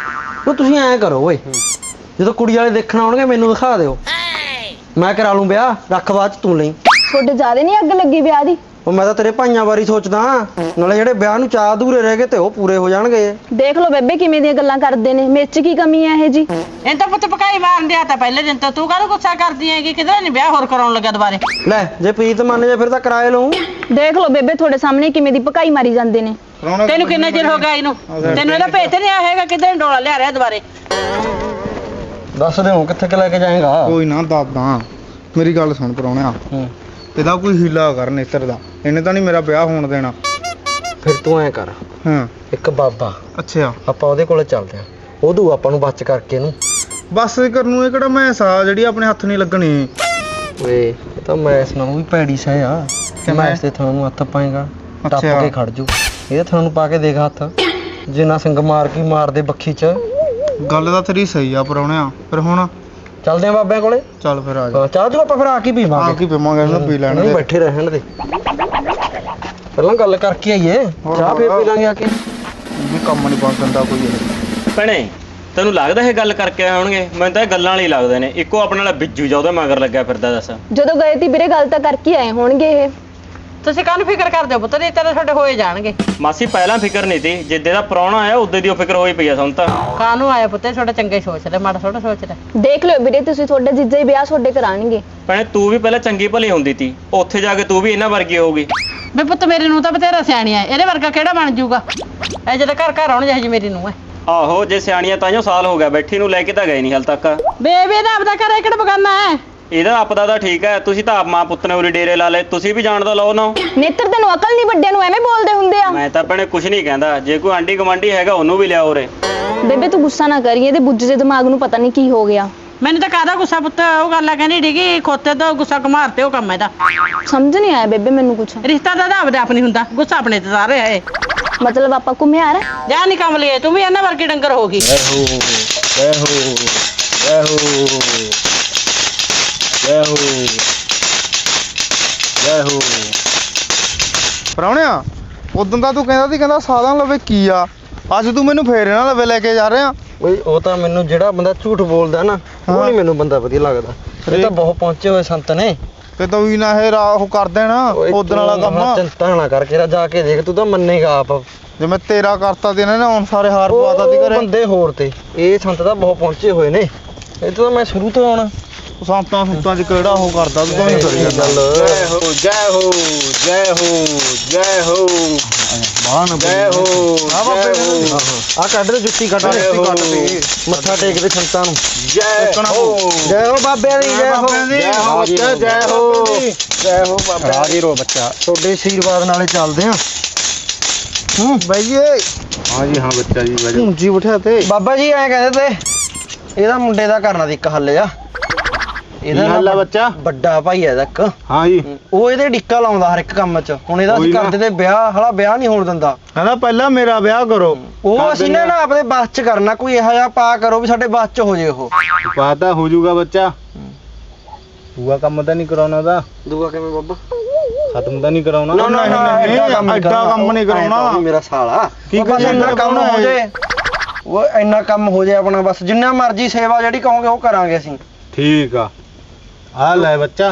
Speaker 2: ਉਹ ਤੁਸੀਂ ਐਂ ਕਰੋ ਓਏ, ਜਦੋਂ ਕੁੜੀ ਵਾਲੇ ਦੇਖਣ ਆਉਣਗੇ ਮੈਨੂੰ ਦਿਖਾ ਦਿਓ, ਮੈਂ ਕਰਾ ਲੂੰ ਵਿਆਹ, ਰੱਖ ਬਾਅਦ ਚ ਤੂੰ ਲਈ।
Speaker 5: ਤੁਹਾਡੇ ਜ਼ਿਆਦਾ ਨਹੀਂ ਅੱਗ ਲੱਗੀ ਵਿਆਹ ਦੀ?
Speaker 2: ਉਹ ਮੈਂ ਤਾਂ ਤੇਰੇ ਭਾਈਆਂ ਬਾਰੇ ਸੋਚਦਾ, ਨਾਲੇ ਜਿਹੜੇ ਵਿਆਹ ਨੂੰ ਚਾਹ ਅਧੂਰੇ ਰਹਿ ਗਏ ਤੇ ਉਹ ਪੂਰੇ ਹੋ ਜਾਣਗੇ।
Speaker 5: ਦੇਖ ਲਓ ਬੇਬੇ ਕਿਵੇਂ ਦੀਆਂ ਗੱਲਾਂ ਕਰਦੇ ਨੇ, ਮੇਰੇ 'ਚ ਕੀ ਕਮੀ ਹੈ ਇਹ ਜੀ?
Speaker 4: ਇਹ ਤਾਂ ਪੁੱਤ ਪਕਾਈ ਮਾਰਨ ਦਿਆ ਤਾਂ ਪਹਿਲੇ ਦਿਨ ਤੋਂ, ਤੂੰ ਕਾਹਨੂੰ ਗੁੱਸਾ ਕਰਦੀ ਹੈਗੀ? ਕਿਧਰੇ ਨਹੀਂ ਵਿਆਹ ਹੋਰ ਕਰਾਉਣ ਲੱਗਾ ਦੁਬਾਰੇ।
Speaker 2: ਲੈ ਜੇ ਪ੍ਰੀਤ ਮੰਨ ਜੇ ਫਿਰ ਤਾਂ ਕਿਰਾਏ ਲਊ।
Speaker 5: ਦੇਖ ਲਓ ਬੇਬੇ ਤੁਹਾਡੇ ਸਾਹਮਣੇ ਕਿਵੇਂ ਦੀ ਭਕਾਈ ਮਾਰੀ ਜਾਂਦੇ ਨੇ।
Speaker 4: ਤੈਨੂੰ ਕਿੰਨਾ ਚਿਰ ਹੋ ਗਿਆ ਇਹਨੂੰ? ਤੈਨੂੰ ਇਹਦਾ ਭੇਤ ਨਹੀਂ ਆਇਆ ਹੈਗਾ, ਕਿਧਰੇ ਡੋਲਾ ਲਿਆ ਰਿਹਾ ਦੁਬਾਰੇ।
Speaker 2: ਦੱਸ ਦੇ ਹੁਣ ਕਿੱਥੇ ਕਿ ਲੈ ਕੇ ਜਾਏਗਾ?
Speaker 1: ਕੋਈ ਨਾ ਦਾਦਾ, ਮੇਰੀ ਗੱਲ ਸੁਣ ਪ੍ਰਾਹੁਣਿਆ, ਇਹਦਾ ਕੋਈ ਹੀਲਾ ਕਰ ਨੇਤਰ ਦਾ, ਇਹਨੇ ਤਾਂ ਨਹੀਂ ਮੇਰਾ ਵਿਆਹ ਹੋਣ ਦੇਣਾ।
Speaker 2: ਫਿਰ ਤੂੰ ਐਂ ਕਰ,
Speaker 1: ਹਾਂ
Speaker 2: ਇੱਕ ਬਾਬਾ,
Speaker 1: ਅੱਛਾ
Speaker 2: ਆਪਾਂ ਉਹਦੇ ਕੋਲੇ ਚੱਲਦੇ ਆਂ, ਉਹ ਦੂ ਆਪਾਂ ਨੂੰ ਬਚ ਕਰਕੇ ਇਹਨੂੰ।
Speaker 1: ਬਸ ਕਰਨ ਨੂੰ ਇਹ ਕਿਹੜਾ ਮੈਸ ਆ ਜਿਹੜੀ ਆਪਣੇ ਹੱਥ ਨਹੀਂ ਲੱਗਣੀ।
Speaker 2: ਓਏ ਇਹ ਤਾਂ ਮੈਸ ਨਾਲੋਂ ਵੀ ਭੈੜੀ ਸਹਿ ਆ, ਕਿ ਮੈਸ ਤੇ ਤੁਹਾਨੂੰ ਹੱਥ ਪਾਏਗਾ। ਟੱਪ
Speaker 1: ਅੱਛਾ।
Speaker 2: ਕੇ ਖੜ ਜੂ। ਇਹ ਤੁਹਾਨੂੰ ਪਾ ਕੇ ਦੇਖ ਹੱਥ, ਜੇ ਨਾ ਸਿੰਗ ਮਾਰ ਕੀ ਮਾਰਦੇ ਬੱਖੀ ਚ।
Speaker 1: ਗੱਲ ਤਾਂ ਤੇਰੀ ਸਹੀ ਆ ਪਰੌਣਿਆ, ਫਿਰ ਹੁਣ
Speaker 2: ਚੱਲਦੇ ਆ ਬਾਬਿਆਂ ਕੋਲੇ।
Speaker 1: ਚੱਲ ਫਿਰ ਆ ਜਾ।
Speaker 2: ਹਾਂ, ਚਾਹ ਚੂ ਆਪਾਂ ਫਿਰ ਆ ਕੇ
Speaker 1: ਆ
Speaker 2: ਪੀਵਾਂਗੇ।
Speaker 1: ਕੀ ਪੀਵਾਂਗੇ, ਇਹਨੂੰ ਪੀ ਲੈਣ
Speaker 2: ਨਹੀਂ,
Speaker 1: ਦੇ।
Speaker 2: ਬੈਠੇ ਰਹਿਣ ਦੇ, ਪਹਿਲਾਂ ਗੱਲ ਕਰਕੇ ਆਈਏ, ਚਾਹ ਫੇਰ ਪੀ ਲਾਂਗੇ ਆ ਕੇ।
Speaker 1: ਵੀ ਕੰਮ ਨਹੀਂ ਪਾ ਦਿੰਦਾ ਕੋਈ ਇਹ।
Speaker 6: ਭੈਣੇ ਤੈਨੂੰ ਲੱਗਦਾ ਇਹ ਗੱਲ ਕਰਕੇ ਆਏ ਹੋਣਗੇ? ਮੈਨੂੰ ਤਾਂ ਇਹ ਗੱਲਾਂ ਵਾਲੇ ਹੀ ਲੱਗਦੇ ਨੇ। ਇੱਕੋ ਆਪਣੇ ਨਾਲ ਬਿੱਜੂ ਜਾ ਉਹਦੇ ਮਗਰ ਲੱਗਿਆ ਫਿਰਦਾ ਦੱਸ।
Speaker 5: ਜਦੋਂ ਗਏ ਤੀ ਵੀਰੇ ਗੱਲ ਤਾਂ ਕਰਕੇ ਆਏ ਹੋਣਗੇ ਇਹ।
Speaker 4: ਤੁਸੀਂ ਕਾਹਨੂੰ ਫਿਕਰ ਕਰਦੇ ਹੋ ਪੁੱਤ, ਨਹੀਂ ਤੇਰੇ ਤੁਹਾਡੇ ਹੋਏ ਜਾਣਗੇ।
Speaker 6: ਮਾਸੀ ਪਹਿਲਾਂ ਫਿਕਰ ਨਹੀਂ ਤੀ, ਜਿੱਦੇ ਦਾ ਪ੍ਰਾਹੁਣਾ ਆਇਆ ਉਦੋਂ ਦੀ ਉਹ ਫਿਕਰ ਹੋਈ ਪਈ ਆ ਸਾਨੂੰ ਤਾਂ।
Speaker 4: ਕਾਹਨੂੰ ਆਇਆ ਪੁੱਤ, ਤੁਹਾਡੇ ਚੰਗੇ ਸੋਚ ਲੈ, ਮਾੜਾ ਥੋੜਾ ਸੋਚ ਲੈ।
Speaker 5: ਦੇਖ ਲਿਓ ਵੀਰੇ ਤੁਸੀਂ, ਤੁਹਾਡੇ ਜੀਜਾ ਹੀ ਵਿਆਹ ਤੁਹਾਡੇ ਕਰਾਣਗੇ।
Speaker 6: ਭੈਣੇ ਤੂੰ ਵੀ ਪਹਿਲਾਂ ਚੰਗੀ ਭਲੀ ਹੁੰਦੀ ਤੀ, ਉੱਥੇ ਜਾ ਕੇ ਤੂੰ ਵੀ ਇਹਨਾਂ ਵਰਗੀ ਹੋਊਗੀ।
Speaker 4: ਵੀ ਪੁੱਤ ਮੇਰੀ ਨੂੰ ਤਾਂ ਬਥੇਰਾ ਸਿਆਣੀ ਆ, ਇਹਦੇ ਵਰਗਾ ਕਿਹੜਾ ਬਣ ਜਾਊਗਾ? ਇਹ ਜਦੋਂ ਘਰ ਘਰ ਆਉਣ ਜਿਹੀ ਮੇਰੀ ਨੂੰ ਹੈ।
Speaker 6: ਆਹੋ ਜੇ ਸਿਆਣੀਆਂ ਤਾਈਓ ਸਾਲ ਹੋ ਗਿਆ ਬੈਠੀ ਨੂੰ, ਲੈ ਕੇ ਤਾਂ ਗਏ ਨਹੀਂ ਹਾਲ ਤੱਕ।
Speaker 4: ਬੇਬੇ ਦਾ ਆਪਦਾ ਘਰ ਕਿਹੜਾ ਬਗਾਨਾ ਹੈ?
Speaker 6: ਇਹਦਾ ਆਪਦਾ ਤਾਂ ਠੀਕ ਹੈ, ਤੁਸੀਂ ਤਾਂ ਆਪ ਮਾਂ ਪੁੱਤ ਨੇ ਉਰੀ ਡੇਰੇ ਲਾ ਲਏ, ਤੁਸੀਂ ਵੀ ਜਾਣ ਦਾ ਲਓ ਨਾ।
Speaker 5: ਨੇਤਰ ਤੈਨੂੰ ਅਕਲ ਨਹੀਂ, ਵੱਡਿਆਂ ਨੂੰ ਐਵੇਂ ਬੋਲਦੇ ਹੁੰਦੇ ਆ।
Speaker 6: ਮੈਂ ਤਾਂ ਭੈਣੇ ਕੁਝ ਨਹੀਂ ਕਹਿੰਦਾ, ਜੇ ਕੋਈ ਆਂਢੀ ਗੁਆਂਢੀ ਹੈਗਾ ਉਹਨੂੰ ਵੀ ਲਿਆਓ ਉਰੇ।
Speaker 5: ਬੇਬੇ ਤੂੰ ਗੁੱਸਾ ਨਾ ਕਰੀ, ਇਹਦੇ ਬੁੱਝ ਦੇ ਦਿਮਾਗ ਨੂੰ ਪਤਾ ਨਹੀਂ ਕੀ ਹੋ ਗਿਆ।
Speaker 4: ਮੈਨੂੰ ਤਾਂ ਕਾਹਦਾ ਗੁੱਸਾ ਪੁੱਤ, ਉਹ ਗੱਲ ਆ ਕਹਿੰਦੀ ਡਿੱਗੀ ਖੋਤੇ ਤੋਂ ਗੁੱਸਾ ਘਮਾਰਤੇ ਉਹ ਕੰਮ ਇਹਦਾ।
Speaker 5: ਸਮਝ ਨਹੀਂ ਆਇਆ ਬੇਬੇ ਮੈਨੂੰ ਕੁਛ।
Speaker 4: ਰਿਸ਼ਤਾ ਤਾਂ ਆਪਦੇ ਆਪ ਨਹੀਂ ਹੁੰਦਾ, ਗੁੱਸਾ ਆਪਣੇ ਤੇ ਸਾਰੇ ਹੈ।
Speaker 5: ਮਤਲਬ ਆਪਾਂ ਘੁੰਮਿਆਰ।
Speaker 4: ਜਾ ਨਹੀਂ ਕੰਮ ਲਈਏ, ਤੂੰ ਵੀ ਇਹਨਾਂ ਵਰਗੀ ਡੰਗਰ ਹੋ ਗਈ।
Speaker 1: ਪਰੌਣਿਆ ਉਦੋਂ ਦਾ ਤੂੰ ਕਹਿੰਦਾ ਸੀ, ਕਹਿੰਦਾ ਸਾਧਨ ਲਵੇ ਕੀ ਆ, ਅੱਜ ਤੂੰ ਮੈਨੂੰ ਫੇਰ ਇਹਨਾਂ ਲਵੇ ਲੈ ਕੇ ਜਾ ਰਿਹਾ।
Speaker 2: ਓਏ ਉਹ ਤਾਂ ਮੈਨੂੰ ਜਿਹੜਾ ਬੰਦਾ ਝੂਠ ਬੋਲਦਾ ਨਾ, ਉਹ ਨਹੀਂ ਮੈਨੂੰ ਬੰਦਾ ਵਧੀਆ ਲੱਗਦਾ। ਇਹ ਤਾਂ ਬਹੁਤ ਪਹੁੰਚੇ ਹੋਏ ਸੰਤ ਨੇ।
Speaker 1: ਤੇ ਤੂੰ ਵੀ ਨਾ ਇਹ ਉਹ ਕਰ ਦੇਣਾ ਉਦੋਂ ਵਾਲਾ ਕੰਮ।
Speaker 2: ਚਿੰਤਾ ਨਾ ਕਰਕੇ ਜਾ ਕੇ ਦੇਖ, ਤੂੰ ਤਾਂ ਮੰਨੇਗਾ ਆਪ।
Speaker 1: ਜੇ ਮੈਂ ਤੇਰਾ ਕਰਤਾ ਤੇ ਇਹਨਾਂ ਨੇ ਹੁਣ ਸਾਰੇ ਹਾਰ ਪਵਾਤਾ ਦੀ
Speaker 2: ਉਹ
Speaker 1: ਘਰੇ।
Speaker 2: ਬੰਦੇ ਹੋਰ ਤੇ ਇਹ ਸੰਤ ਤਾਂ ਬਹੁਤ ਪਹੁੰਚੇ ਹੋਏ ਨੇ। ਇਹ ਤਾਂ ਮੈਂ ਸ਼ੁਰੂ ਤੋਂ ਆਉਣਾ
Speaker 1: ਸੰਤਾਂ ਸੁੱਤਾਂ ਚ ਕਿਹੜਾ ਉਹ ਕਰਦਾ, ਤੂੰ ਤਾਂ ਨਹੀਂ ਕਰੀ ਜਾਂਦਾ।
Speaker 2: ਜੈ ਹੋ
Speaker 6: ਜੈ ਹੋ ਜੈ ਹੋ ਜੈ ਹੋ
Speaker 1: ਬਾਹਰ
Speaker 6: ਜੈ ਹੋ
Speaker 1: ਆ ਬਾਬੇ
Speaker 2: ਆ ਕੱਢ ਦੇ ਜੁੱਤੀ ਕੱਢ ਦੇ, ਮੱਥਾ ਟੇਕ ਦੇ ਸੰਤਾਂ ਨੂੰ।
Speaker 6: ਜੈ ਹੋ
Speaker 2: ਜੈ ਹੋ ਬਾਬਿਆਂ ਦੀ, ਜੈ ਹੋ
Speaker 6: ਜੈ ਹੋ ਬੱਚਾ, ਜੈ ਹੋ
Speaker 2: ਜੈ ਹੋ ਬਾਬਾ।
Speaker 1: ਰਾਜੀ ਰੋ ਬੱਚਾ।
Speaker 2: ਤੁਹਾਡੇ ਆਸ਼ੀਰਵਾਦ ਨਾਲੇ ਚੱਲਦੇ ਆ।
Speaker 1: ਬਈਏ
Speaker 6: ਹਾਂ ਜੀ ਹਾਂ ਬੱਚਾ ਜੀ ਬੈਠੋ।
Speaker 1: ਉਂਜੀ ਬਿਠਾ ਤੇ
Speaker 2: ਬਾਬਾ ਜੀ ਐਂ ਕਹਿੰਦੇ ਤੇ ਇਹਦਾ ਮੁੰਡੇ ਦਾ ਕਰਨਾ ਦੀ ਇੱਕ ਹੱਲ ਆ। ਇਹਦਾ
Speaker 6: ਹੱਲ ਆ ਬੱਚਾ?
Speaker 2: ਵੱਡਾ ਭਾਈ ਹੈ ਇਹਦਾ ਇੱਕ,
Speaker 6: ਹਾਂ ਜੀ
Speaker 2: ਉਹ ਇਹਦੇ ਡਿੱਕਾ ਲਾਉਂਦਾ ਹਰ ਇੱਕ ਕੰਮ 'ਚ। ਹੁਣ ਇਹਦਾ ਅਸੀਂ ਕਰਦੇ ਤੇ ਵਿਆਹ, ਹਲਾ ਵਿਆਹ ਨਹੀਂ ਹੋਣ ਦਿੰਦਾ।
Speaker 1: ਕਹਿੰਦਾ ਪਹਿਲਾਂ ਮੇਰਾ ਵਿਆਹ ਕਰੋ।
Speaker 2: ਉਹ ਅਸੀਂ ਨਾ ਆਪਣੇ ਬਸ 'ਚ ਕਰਨਾ, ਕੋਈ ਇਹੋ ਜਿਹਾ ਪਾ ਕਰੋ ਵੀ ਸਾਡੇ ਬਸ 'ਚ ਹੋ ਜੇ। ਉਹ
Speaker 6: ਪਾਤਾ ਹੋ ਜਾਊਗਾ ਬੱਚਾ। ਦੂਆ ਕੰਮ ਤਾਂ ਨਹੀਂ ਕਰਾਉਣਾ ਦਾ,
Speaker 2: ਦੂਆ ਕਿਵੇਂ ਬਾਬਾ?
Speaker 6: ਖਤਮ ਤਾਂ ਨਹੀਂ ਕਰਾਉਣਾ।
Speaker 2: ਨਾ ਨਾ ਨਾ,
Speaker 1: ਐਡਾ ਕੰਮ ਨਹੀਂ ਕਰਾਉਣਾ।
Speaker 2: ਮੇਰਾ ਸਾਲਾ
Speaker 1: ਕੀ
Speaker 2: ਬਸ ਇੰਨਾ ਕੰਮ ਹੋ ਜੇ, ਉਹ ਇੰਨਾ ਕੰਮ ਹੋ ਜੇ ਆਪਣਾ, ਬਸ ਜਿੰਨਾ ਮਰਜ਼ੀ ਸੇਵਾ ਜਿਹੜੀ ਕਹੋਗੇ ਉਹ ਕਰਾਂਗੇ ਅਸੀਂ।
Speaker 6: ਠੀਕ ਆ ਲੈ ਬੱਚਾ,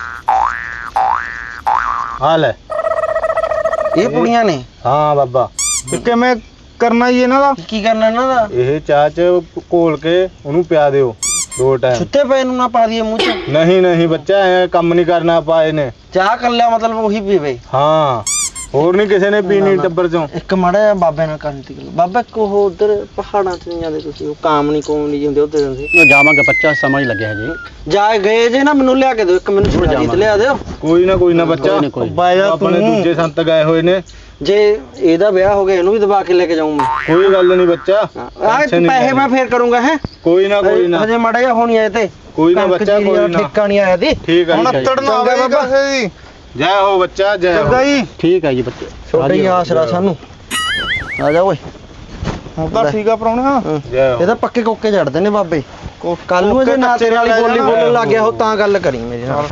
Speaker 6: ਆ ਲੈ।
Speaker 2: ਇਹ ਪੁੜੀਆਂ ਨੇ।
Speaker 6: ਹਾਂ ਬਾਬਾ,
Speaker 1: ਤੇ ਕਿਵੇਂ ਕਰਨਾ ਜੀ ਇਹਨਾਂ ਦਾ?
Speaker 2: ਕੀ ਕਰਨਾ ਇਹਨਾਂ ਦਾ?
Speaker 6: ਇਹ ਚਾਹ ਚ ਘੋਲ ਕੇ ਉਹਨੂੰ ਪਿਆ ਦਿਓ 2 ਟਾਈਮ।
Speaker 2: ਸੁੱਤੇ ਪਏ ਨੂੰ ਨਾ ਪਾ ਦਈਏ ਮੂੰਹ 'ਚ?
Speaker 6: ਨਹੀਂ ਨਹੀਂ ਬੱਚਾ, ਐ ਕੰਮ ਨਹੀਂ ਕਰਨਾ ਆਪਾਂ ਇਹਨੇ।
Speaker 2: ਚਾਹ ਕਰ ਲਿਆ ਮਤਲਬ ਉਹੀ ਪੀਵੇ?
Speaker 6: ਹਾਂ, ਹੋਰ ਨਹੀਂ ਕਿਸੇ ਨੇ ਪੀਣੀ ਟੱਬਰ ਚੋਂ।
Speaker 2: ਇੱਕ ਮਾੜਾ ਜਿਹਾ ਬਾਬੇ ਨਾਲ ਕਰਨ ਦੀ ਗੱਲ। ਬਾਬਾ ਕੋ ਉਧਰ ਪਹਾੜਾਂ 'ਚ ਨਹੀਂ ਜਾਂਦੇ ਤੁਸੀਂ? ਉਹ ਕਾਮ ਨਹੀਂ ਹੁੰਦੇ ਉਧਰ ਜਾਂਦੇ?
Speaker 6: ਜਾਵਾਂਗੇ ਬੱਚਾ, ਸਮਝ ਲੱਗਿਆ ਜੀ।
Speaker 2: ਜਾ ਗਏ ਜੇ ਨਾ, ਮੈਨੂੰ ਲਿਆ ਕੇ ਦਿਓ ਇੱਕ, ਮੈਨੂੰ ਛੁੜਾ ਤੇ ਲਿਆ ਦਿਓ।
Speaker 6: ਕੋਈ ਨਾ ਬੱਚਾ,
Speaker 1: ਬਾਇਆ
Speaker 6: ਆਪਣੇ ਦੂਜੇ ਸੰਤ ਗਏ ਹੋਏ ਨੇ।
Speaker 2: ਜੇ ਇਹਦਾ ਵਿਆਹ ਹੋ ਗਿਆ ਇਹਨੂੰ ਵੀ ਦਬਾ ਕੇ ਲੈ ਕੇ ਜਾਊਂ ਮੈਂ।
Speaker 6: ਕੋਈ ਗੱਲ ਨਹੀਂ ਬੱਚਾ,
Speaker 2: ਆਹ ਪੈਸੇ ਮੈਂ ਫੇਰ ਕਰੂੰਗਾ। ਹੈ
Speaker 6: ਕੋਈ ਨਾ
Speaker 2: ਹਜੇ ਮਾੜਾ ਜਿਹਾ ਹੋਣੀ ਆਏ ਤੇ
Speaker 6: ਕੋਈ ਨਾ ਬੱਚਾ, ਕੋਈ ਨਾ
Speaker 2: ਠੇਕਾ ਨਹੀਂ ਆਇਆ ਦੀ।
Speaker 6: ਠੀਕ ਆ
Speaker 1: ਹੁਣ
Speaker 6: ਜੀ।
Speaker 1: ਅੱਤੜ ਨਾ ਆਵੇ ਕਿਸੇ ਦੀ।
Speaker 6: ਜੈ ਹੋ ਬੱਚਾ, ਜੈ ਹੋ।
Speaker 1: ਚੰਗਾ ਜੀ,
Speaker 6: ਠੀਕ ਹੈ ਜੀ ਬੱਚੇ,
Speaker 2: ਛੋਟਾ ਹੀ ਆਸਰਾ ਸਾਨੂੰ। ਆ ਜਾ ਓਏ।
Speaker 1: ਹੁਣ ਤਾਂ ਠੀਕ ਆ ਪਰੌਣਿਆ।
Speaker 6: ਜੈ ਹੋ।
Speaker 2: ਇਹ ਤਾਂ ਪੱਕੇ ਕੋਕੇ ਚੜਦੇ ਨੇ ਬਾਬੇ। ਕੱਲ ਨੂੰ ਜੇ ਨਾ ਤੇਰੇ ਵਾਲੀ ਬੋਲੀ ਬੋਲਣ ਲੱਗ ਗਿਆ ਹੋ ਤਾਂ ਗੱਲ ਕਰੀ ਮੇਰੇ ਨਾਲ।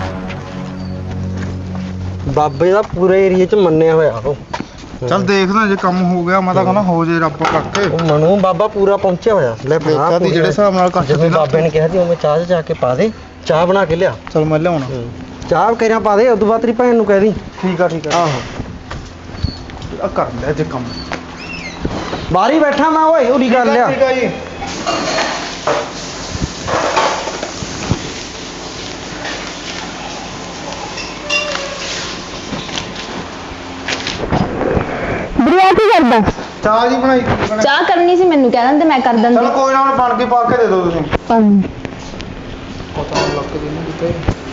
Speaker 2: ਬਾਬੇ ਦਾ ਪੂਰੇ ਏਰੀਏ 'ਚ ਮੰਨਿਆ ਹੋਇਆ ਉਹ।
Speaker 1: ਚੱਲ ਦੇਖਦਾ ਜੇ ਕੰਮ ਹੋ ਗਿਆ, ਮੈਂ ਤਾਂ ਕਹਿੰਦਾ ਹੋ ਜੇ ਰੱਬ ਕਰਕੇ।
Speaker 2: ਉਹ ਮਨੂ ਬਾਬਾ ਪੂਰਾ ਪਹੁੰਚਿਆ ਹੋਇਆ। ਲੈ ਬਣਾ
Speaker 1: ਦੇਖਿਆ ਤੀ ਜਿਹੜੇ ਹਿਸਾਬ ਨਾਲ ਕੱਟ
Speaker 2: ਜਿਵੇਂ ਬਾਬੇ ਨੇ ਕਿਹਾ ਸੀ ਉਵੇਂ ਚਾਹ 'ਚ ਜਾ ਕੇ ਪਾ ਦੇ, ਚਾਹ ਬਣਾ ਕੇ ਲਿਆ।
Speaker 1: ਚਲ ਮੈਂ ਲਿਆਉਣਾ।
Speaker 2: ਚਾਹ ਕਰਿਆ ਪਾ ਦੇ, ਉਦੋਂ ਬਾਅਦ ਤੇਰੀ ਭੈਣ ਨੂੰ ਕਹਿ ਦੀ।
Speaker 1: ਠੀਕ ਆ
Speaker 2: ਆਹੋ,
Speaker 1: ਆ ਕਰ ਲੈ ਜੇ ਕੰਮ।
Speaker 2: ਬਾਹਰ ਹੀ ਬੈਠਾ ਮੈਂ ਓਏ, ਉਰੀ ਕਰ ਲਿਆ।
Speaker 1: ਠੀਕ ਆ ਜੀ।
Speaker 5: ਵੀਰੇ ਕੀ ਕਰਦਾ?
Speaker 1: ਚਾਹ ਜੀ ਬਣਾਈ।
Speaker 5: ਚਾਹ ਕਰਨੀ ਸੀ, ਮੈਨੂੰ ਕਹਿ ਦਿੰਦੇ ਮੈਂ ਕਰ
Speaker 1: ਚਲ
Speaker 5: ਦਿੰਦੀ।
Speaker 1: ਕੋਈ ਨਾ, ਹੁਣ ਬਣ ਕੇ ਪਾ ਕੇ ਦੇ ਦਿਓ ਤੁਸੀਂ। ਪਤਾ ਨਹੀਂ ਲੱਗ ਕੇ ਦੇਣੀ ਕਿਤੇ।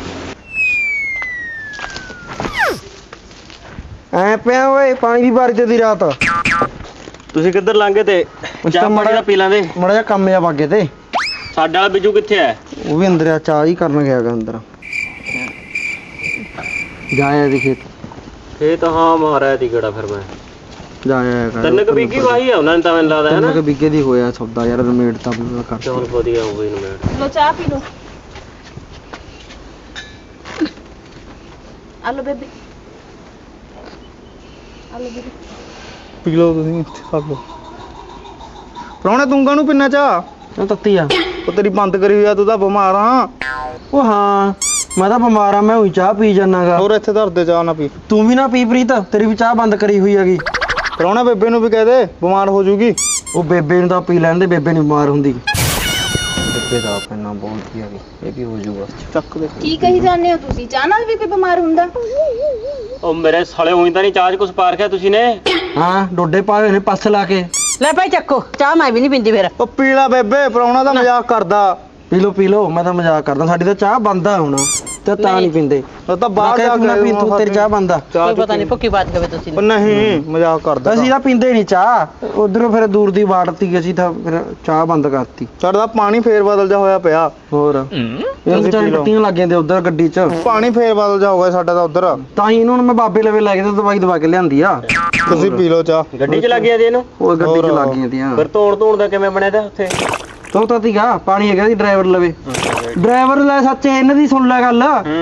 Speaker 2: ਐ ਪਿਆ ਓਏ, ਪਾਣੀ ਦੀ ਬਾਰੀ ਤੇ ਦੀ ਰਾਤ।
Speaker 6: ਤੁਸੀਂ ਕਿੱਧਰ ਲੰਘੇ ਤੇ ਚਾਹ ਮਾੜਾ ਜਿਹਾ ਪੀ ਲਾਂਦੇ।
Speaker 2: ਮਾੜਾ ਜਿਹਾ ਕੰਮ ਆ ਬਾਗੇ ਤੇ।
Speaker 6: ਸਾਡਾ ਵਾਲਾ ਬਿੱਜੂ ਕਿੱਥੇ ਹੈ?
Speaker 2: ਉਹ ਵੀ ਅੰਦਰ ਆ, ਚਾਹ ਹੀ ਕਰਨ ਗਿਆ ਗਾ ਅੰਦਰ। ਜਾਇਆ ਦੀ ਖੇਤ।
Speaker 6: ਇਹ ਤਾਂ ਹਾਂ ਮਾਰਿਆ ਤੀ ਕਿਹੜਾ ਫਿਰ ਮੈਂ
Speaker 2: ਜਾ ਆਇਆ ਕਰ
Speaker 6: ਤਿੰਨ ਕੁ ਬੀਗੀ ਵਾਹੀ ਆ ਉਹਨਾਂ ਨੇ ਤਾਂ ਮੈਨੂੰ ਲੱਗਦਾ ਹੈ
Speaker 2: ਤਿੰਨ
Speaker 6: ਨਾ
Speaker 2: ਕੁ ਬਿੱਗੇ ਦੀ ਹੋਇਆ ਸੌਦਾ ਯਾਰ ਰਮੇੜ ਤਾਂ ਕਰ
Speaker 6: ਚਲ ਵਧੀਆ ਹੋ ਗਈ ਨਮੇੜ
Speaker 5: ਲੋ ਚਾਹ ਪੀ ਲੋ ਆਲੋ ਬੇਬੀ ਆਲੋ ਬੇਬੀ
Speaker 1: ਪੀ ਲਓ ਤੁਸੀਂ ਸਭ ਪ੍ਰਾਹੁਣੇ ਤੂੰ ਕਾਹਨੂੰ ਪਿੰਨਾ ਚਾਹ
Speaker 2: ਉਹ ਤੱਤੀ ਆ
Speaker 1: ਉਹ ਤੇਰੀ ਬੰਦ ਕਰੀ ਹੋਈ ਆ, ਤੂੰ ਤਾਂ ਬਿਮਾਰ ਆ।
Speaker 2: ਉਹ ਹਾਂ ਮੈਂ ਤਾਂ ਬਿਮਾਰ ਆ, ਮੈਂ ਉਹੀ ਚਾਹ ਪੀ ਜਾਨਾਗਾ।
Speaker 1: ਹੋਰ ਇੱਥੇ ਧਰ ਦੇ ਚਾਹ ਨਾ ਪੀ।
Speaker 2: ਤੂੰ ਵੀ ਨਾ ਪੀ ਪ੍ਰੀਤ, ਤੇਰੀ ਵੀ ਚਾਹ ਬੰਦ ਕਰੀ ਹੋਈ ਹੈਗੀ।
Speaker 1: ਪ੍ਰਾਹੁਣਾ ਬੇਬੇ ਨੂੰ ਵੀ ਕਹਿ ਦੇ, ਬਿਮਾਰ ਹੋ ਜੂਗੀ।
Speaker 2: ਉਹ ਬੇਬੇ ਨੂੰ ਤਾਂ ਪੀ ਲੈਣ ਦੇ, ਬੇਬੇ ਨਹੀਂ ਬਿਮਾਰ ਹੁੰਦੀ। ਬੇਬੇ ਦਾ ਪੈਣਾ ਬੋਲਦੀ ਹੈਗੀ, ਇਹ ਵੀ ਹੋ ਜੂਗਾ।
Speaker 1: ਚੱਕ ਦੇ।
Speaker 5: ਕੀ ਕਹੀ ਜਾਂਦੇ ਹੋ ਤੁਸੀਂ? ਚਾਹ ਨਾਲ ਵੀ ਕੋਈ ਬਿਮਾਰ ਹੁੰਦਾ?
Speaker 6: ਉਹ ਮੇਰੇ ਸਾਲੇ ਉਹੀ ਤਾਂ ਨਹੀਂ ਚਾਹ 'ਚ ਕੁਛ ਪਾ ਰੱਖਿਆ ਤੁਸੀਂ ਨੇ।
Speaker 2: ਹਾਂ ਡੋਡੇ ਪਾਏ ਹੋਏ ਨੇ ਪੱਸ ਲਾ ਕੇ।
Speaker 4: ਲੈ ਭਾਈ ਚੱਕੋ ਚਾਹ, ਮੈਂ ਵੀ ਨਹੀਂ ਪੀਂਦੀ ਫਿਰ।
Speaker 1: ਉਹ ਪੀ ਲੈ ਬੇਬੇ, ਪ੍ਰਾਹੁਣਾ ਤਾਂ ਮਜ਼ਾਕ ਕਰਦਾ।
Speaker 2: ਪੀ ਲੋ ਮੈਂ ਤਾਂ ਮਜ਼ਾਕ ਕਰਦਾ, ਸਾਡੀ ਤਾਂ ਚਾਹ ਬੰਦ ਆ ਹੁਣ ਤੇ ਤਾਂ ਨਹੀਂ ਪੀਂਦੇ।
Speaker 1: ਉਹ ਤਾਂ ਬਾਹਰ ਜਾ ਕੇ
Speaker 2: ਪੀ ਤੂੰ, ਤੇਰੀ ਚਾਹ ਬੰਦ ਆ।
Speaker 4: ਕੋਈ ਪਤਾ ਨਹੀਂ ਭੁੱਕੀ ਬਾਤ ਕਵੇ ਤੁਸੀਂ
Speaker 1: ਉਹ ਨਹੀਂ ਮਜ਼ਾਕ ਕਰਦਾ।
Speaker 2: ਅਸੀਂ ਤਾਂ ਪੀਂਦੇ ਨਹੀਂ ਚਾਹ, ਉਧਰੋਂ ਫਿਰ ਦੂਰ ਦੀ ਵਾੜਤੀ, ਅਸੀਂ ਤਾਂ ਫਿਰ ਚਾਹ ਬੰਦ ਕਰਤੀ।
Speaker 1: ਸਾਡਾ ਪਾਣੀ ਫੇਰ ਬਦਲ ਜਾ ਹੋਇਆ ਪਿਆ।
Speaker 2: ਹੋਰ ਇਹ ਚਾਹ ਟੱਟੀਆਂ ਲੱਗ ਜਾਂਦੇ ਉਧਰ ਗੱਡੀ 'ਚ।
Speaker 1: ਪਾਣੀ ਫੇਰ ਬਦਲ ਜਾ ਹੋਇਆ ਸਾਡਾ ਤਾਂ ਉਧਰ।
Speaker 2: ਤਾਂ ਹੀ ਇਹਨੂੰ ਮੈਂ ਬਾਬੇ ਲਵੇ ਲੈ ਕੇ ਤੇ ਦਵਾਈ ਦਵਾ ਕੇ ਲਿਆਂਦੀ ਆ।
Speaker 1: ਤੁਸੀਂ ਪੀ ਲਓ ਚਾਹ।
Speaker 6: ਗੱਡੀ 'ਚ ਲੱਗ ਗਿਆ ਜੀ ਇਹਨੂੰ।
Speaker 2: ਉਹ ਗੱਡੀ 'ਚ ਲੱਗ ਗਈਆਂ ਤੀਆਂ।
Speaker 6: ਫਿਰ ਧੋਣ ਦਾ ਕਿਵੇਂ ਬਣਿਆ ਤਾ ਉੱਥੇ?
Speaker 2: ਤੂੰ ਤਾਂ ਤੀਗਾ ਪਾਣੀ ਹੈਗਾ ਸੀ ਡਰਾਈਵਰ ਲਵੇ। ਡਰਾਈਵਰ ਲੈ ਸੱਚ ਇਹਨਾਂ ਦੀ ਸੁਣ ਲੈ ਗੱਲ।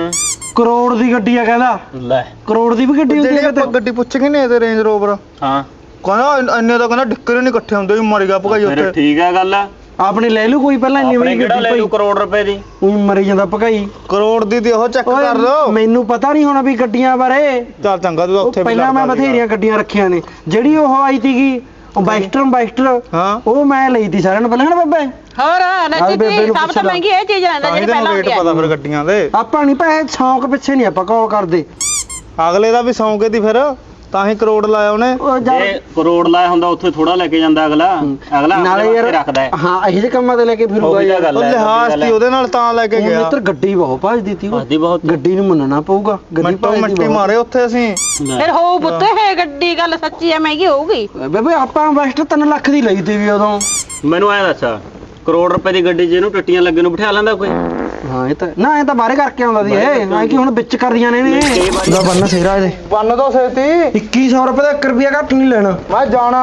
Speaker 2: ਕਰੋੜ ਦੀ ਗੱਡੀ ਆ ਕਹਿੰਦਾ।
Speaker 6: ਲੈ
Speaker 2: ਕਰੋੜ ਦੀ ਵੀ ਗੱਡੀ ਹੁੰਦੀ
Speaker 1: ਜਿਹੜੀ
Speaker 2: ਹੈ
Speaker 1: ਆਪਾਂ ਗੱਡੀ ਪੁੱਛ ਕੇ ਨਹੀਂ ਤੇ ਰੇਂਜ ਰੋਵਰ
Speaker 6: ਹਾਂ
Speaker 1: ਕਹਿੰਦਾ ਇੰਨੇ ਤਾਂ ਕਹਿੰਦਾ ਡਿੱਕਰ ਨਹੀਂ ਇਕੱਠੇ ਹੁੰਦੇ, ਮਰ ਗਿਆ ਭਗਾਈ
Speaker 6: ਫਿਰ
Speaker 1: ਉੱਥੇ।
Speaker 6: ਠੀਕ ਆ ਗੱਲ।
Speaker 2: ਆਪਣੀ ਲੈ ਲੂ ਕੋਈ ਪਹਿਲਾਂ ਇੰਨੀ
Speaker 6: ਆਪਣੇ
Speaker 2: ਵਾਰੀ
Speaker 6: ਕਿਹੜਾ ਲੈ
Speaker 2: ਗੱਡੀ
Speaker 6: ਲੂ ਕਰੋੜ ਰੁਪਏ ਦੀ?
Speaker 2: ਉਹੀ ਮਰੀ ਜਾਂਦਾ ਭਗਾਈ।
Speaker 1: ਕਰੋੜ ਦੀ ਤੇ ਉਹ ਚੈੱਕ ਕਰ ਲਓ।
Speaker 2: ਮੈਨੂੰ ਪਤਾ ਨਹੀਂ ਹੋਣਾ ਵੀ ਗੱਡੀਆਂ ਬਾਰੇ।
Speaker 1: ਚੱਲ ਚੰਗਾ, ਤੂੰ ਤਾਂ ਉੱਥੇ ਵੀ
Speaker 2: ਪਹਿਲਾਂ ਮੈਂ
Speaker 1: ਲੜਦਾ
Speaker 2: ਬਥੇਰੀਆਂ ਗੱਡੀਆਂ ਰੱਖੀਆਂ ਨੇ। ਜਿਹੜੀ ਉਹ ਆਈ ਸੀਗੀ ਉਹ ਬਾਈਸਟਰ
Speaker 1: ਹਾਂ
Speaker 2: ਉਹ ਮੈਂ ਲਈ ਤੀ ਸਾਰਿਆਂ ਨੂੰ ਪਹਿਲਾਂ ਨਾ ਬੱਬੇ।
Speaker 4: ਹੋਰ
Speaker 2: ਬੇਬੇ
Speaker 4: ਨੱਜੀ
Speaker 2: ਨੂੰ
Speaker 4: ਸਭ
Speaker 2: ਪੁੱਛ
Speaker 4: ਤੋਂ
Speaker 2: ਲਾ।
Speaker 4: ਮਹਿੰਗੀ ਇਹ ਚੀਜ਼ ਰਹਿੰਦਾ
Speaker 1: ਤਾਂ ਹੀ
Speaker 4: ਜਿਹੜੀ
Speaker 1: ਤੈਨੂੰ
Speaker 4: ਪਹਿਲਾਂ
Speaker 1: ਰੇਟ
Speaker 4: ਹੁੰਦੀ
Speaker 1: ਪਤਾ ਫਿਰ ਗੱਡੀਆਂ ਦੇ।
Speaker 2: ਆਪਾਂ ਨਹੀਂ ਪੈਸੇ ਸ਼ੌਂਕ ਪਿੱਛੇ ਨਹੀਂ ਆਪਾਂ ਕਾਲ ਕਰਦੇ।
Speaker 1: ਅਗਲੇ ਦਾ ਵੀ ਸੌਂਕੇ ਦੀ ਫਿਰ ਤਾਂ ਹੀ ਕਰੋੜ ਲਾਇਆ ਉਹਨੇ।
Speaker 2: ਉਹ
Speaker 6: ਜੇ ਕਰੋੜ ਲਾਇਆ ਹੁੰਦਾ ਉੱਥੇ ਥੋੜਾ ਲੈ ਕੇ ਜਾਂਦਾ ਅਗਲਾ
Speaker 2: ਨਾਲੇ
Speaker 6: ਆਪਣੇ
Speaker 2: ਯਾਰ
Speaker 6: ਵਾਸਤੇ ਰੱਖਦਾ ਹੈ।
Speaker 2: ਹਾਂ ਇਹੋ ਜਿਹੇ ਕੰਮਾਂ ਤੇ ਲੈ ਕੇ ਫਿਰੂਗਾ
Speaker 6: ਉਹੀ ਤਾਂ
Speaker 2: ਯਾਰ।
Speaker 6: ਗੱਲ
Speaker 1: ਉਹ
Speaker 6: ਹੈ,
Speaker 1: ਲਿਹਾਜ਼ ਤੀ ਉਹਦੇ ਨਾਲ ਤਾਂ ਲੈ ਕੇ
Speaker 2: ਉਹ
Speaker 1: ਗਿਆ।
Speaker 2: ਮਿੱਤਰ ਗੱਡੀ ਬਹੁਤ ਭੱਜਦੀ ਤੀ ਉਹ।
Speaker 6: ਭੱਜਦੀ ਬਹੁਤ।
Speaker 2: ਗੱਡੀ ਨੂੰ ਮੰਨਣਾ ਪਊਗਾ, ਗੱਡੀ
Speaker 1: ਮਿੰਟੋ
Speaker 2: ਭੱਜਦੀ
Speaker 1: ਮਿੰਟੀ
Speaker 2: ਬਹੁਤ।
Speaker 1: ਮਾਰੇ ਉੱਥੇ ਅਸੀਂ।
Speaker 4: ਫਿਰ ਹੋਊ ਪੁੱਤ ਇਹ ਗੱਡੀ ਗੱਲ ਸੱਚੀ ਹੈ, ਮਹਿੰਗੀ ਹੋਊਗੀ।
Speaker 2: ਬੇਬੇ ਆਪਾਂ ਇਨਵੈਸਟ 3 ਲੱਖ ਦੀ ਲਈ ਤੀ ਵੀ ਉਦੋਂ।
Speaker 6: ਮੈਨੂੰ ਐ ਦੱਸ, ਕਰੋੜ ਰੁਪਏ ਦੀ ਗੱਡੀ 'ਚ ਇਹਨੂੰ ਟੱਟੀਆਂ ਲੱਗੇ ਨੂੰ ਬਿਠਾ ਲੈਂਦਾ ਕੋਈ?
Speaker 2: ਹਾਂ ਇਹ ਤਾਂ ਨਾ, ਇਹ ਤਾਂ ਬਾਹਰੇ ਕਰਕੇ ਆਉਂਦਾ ਸੀ ਇਹ। ਐ ਕਿ ਹੁਣ ਵਿੱਚ ਕਰਦੀਆਂ ਨੇ ਨੇ ਦਾ ਬੰਨ ਸੇਰਾ ਇਹਦੇ।
Speaker 1: ਬੰਨ ਦੋ ਛੇਤੀ।
Speaker 2: 2100 ਰੁਪਏ ਦਾ 1 ਰੁਪਿਆ ਘੱਟ ਨਹੀਂ ਲੈਣਾ।
Speaker 1: ਮੈਂ ਜਾਣਾ।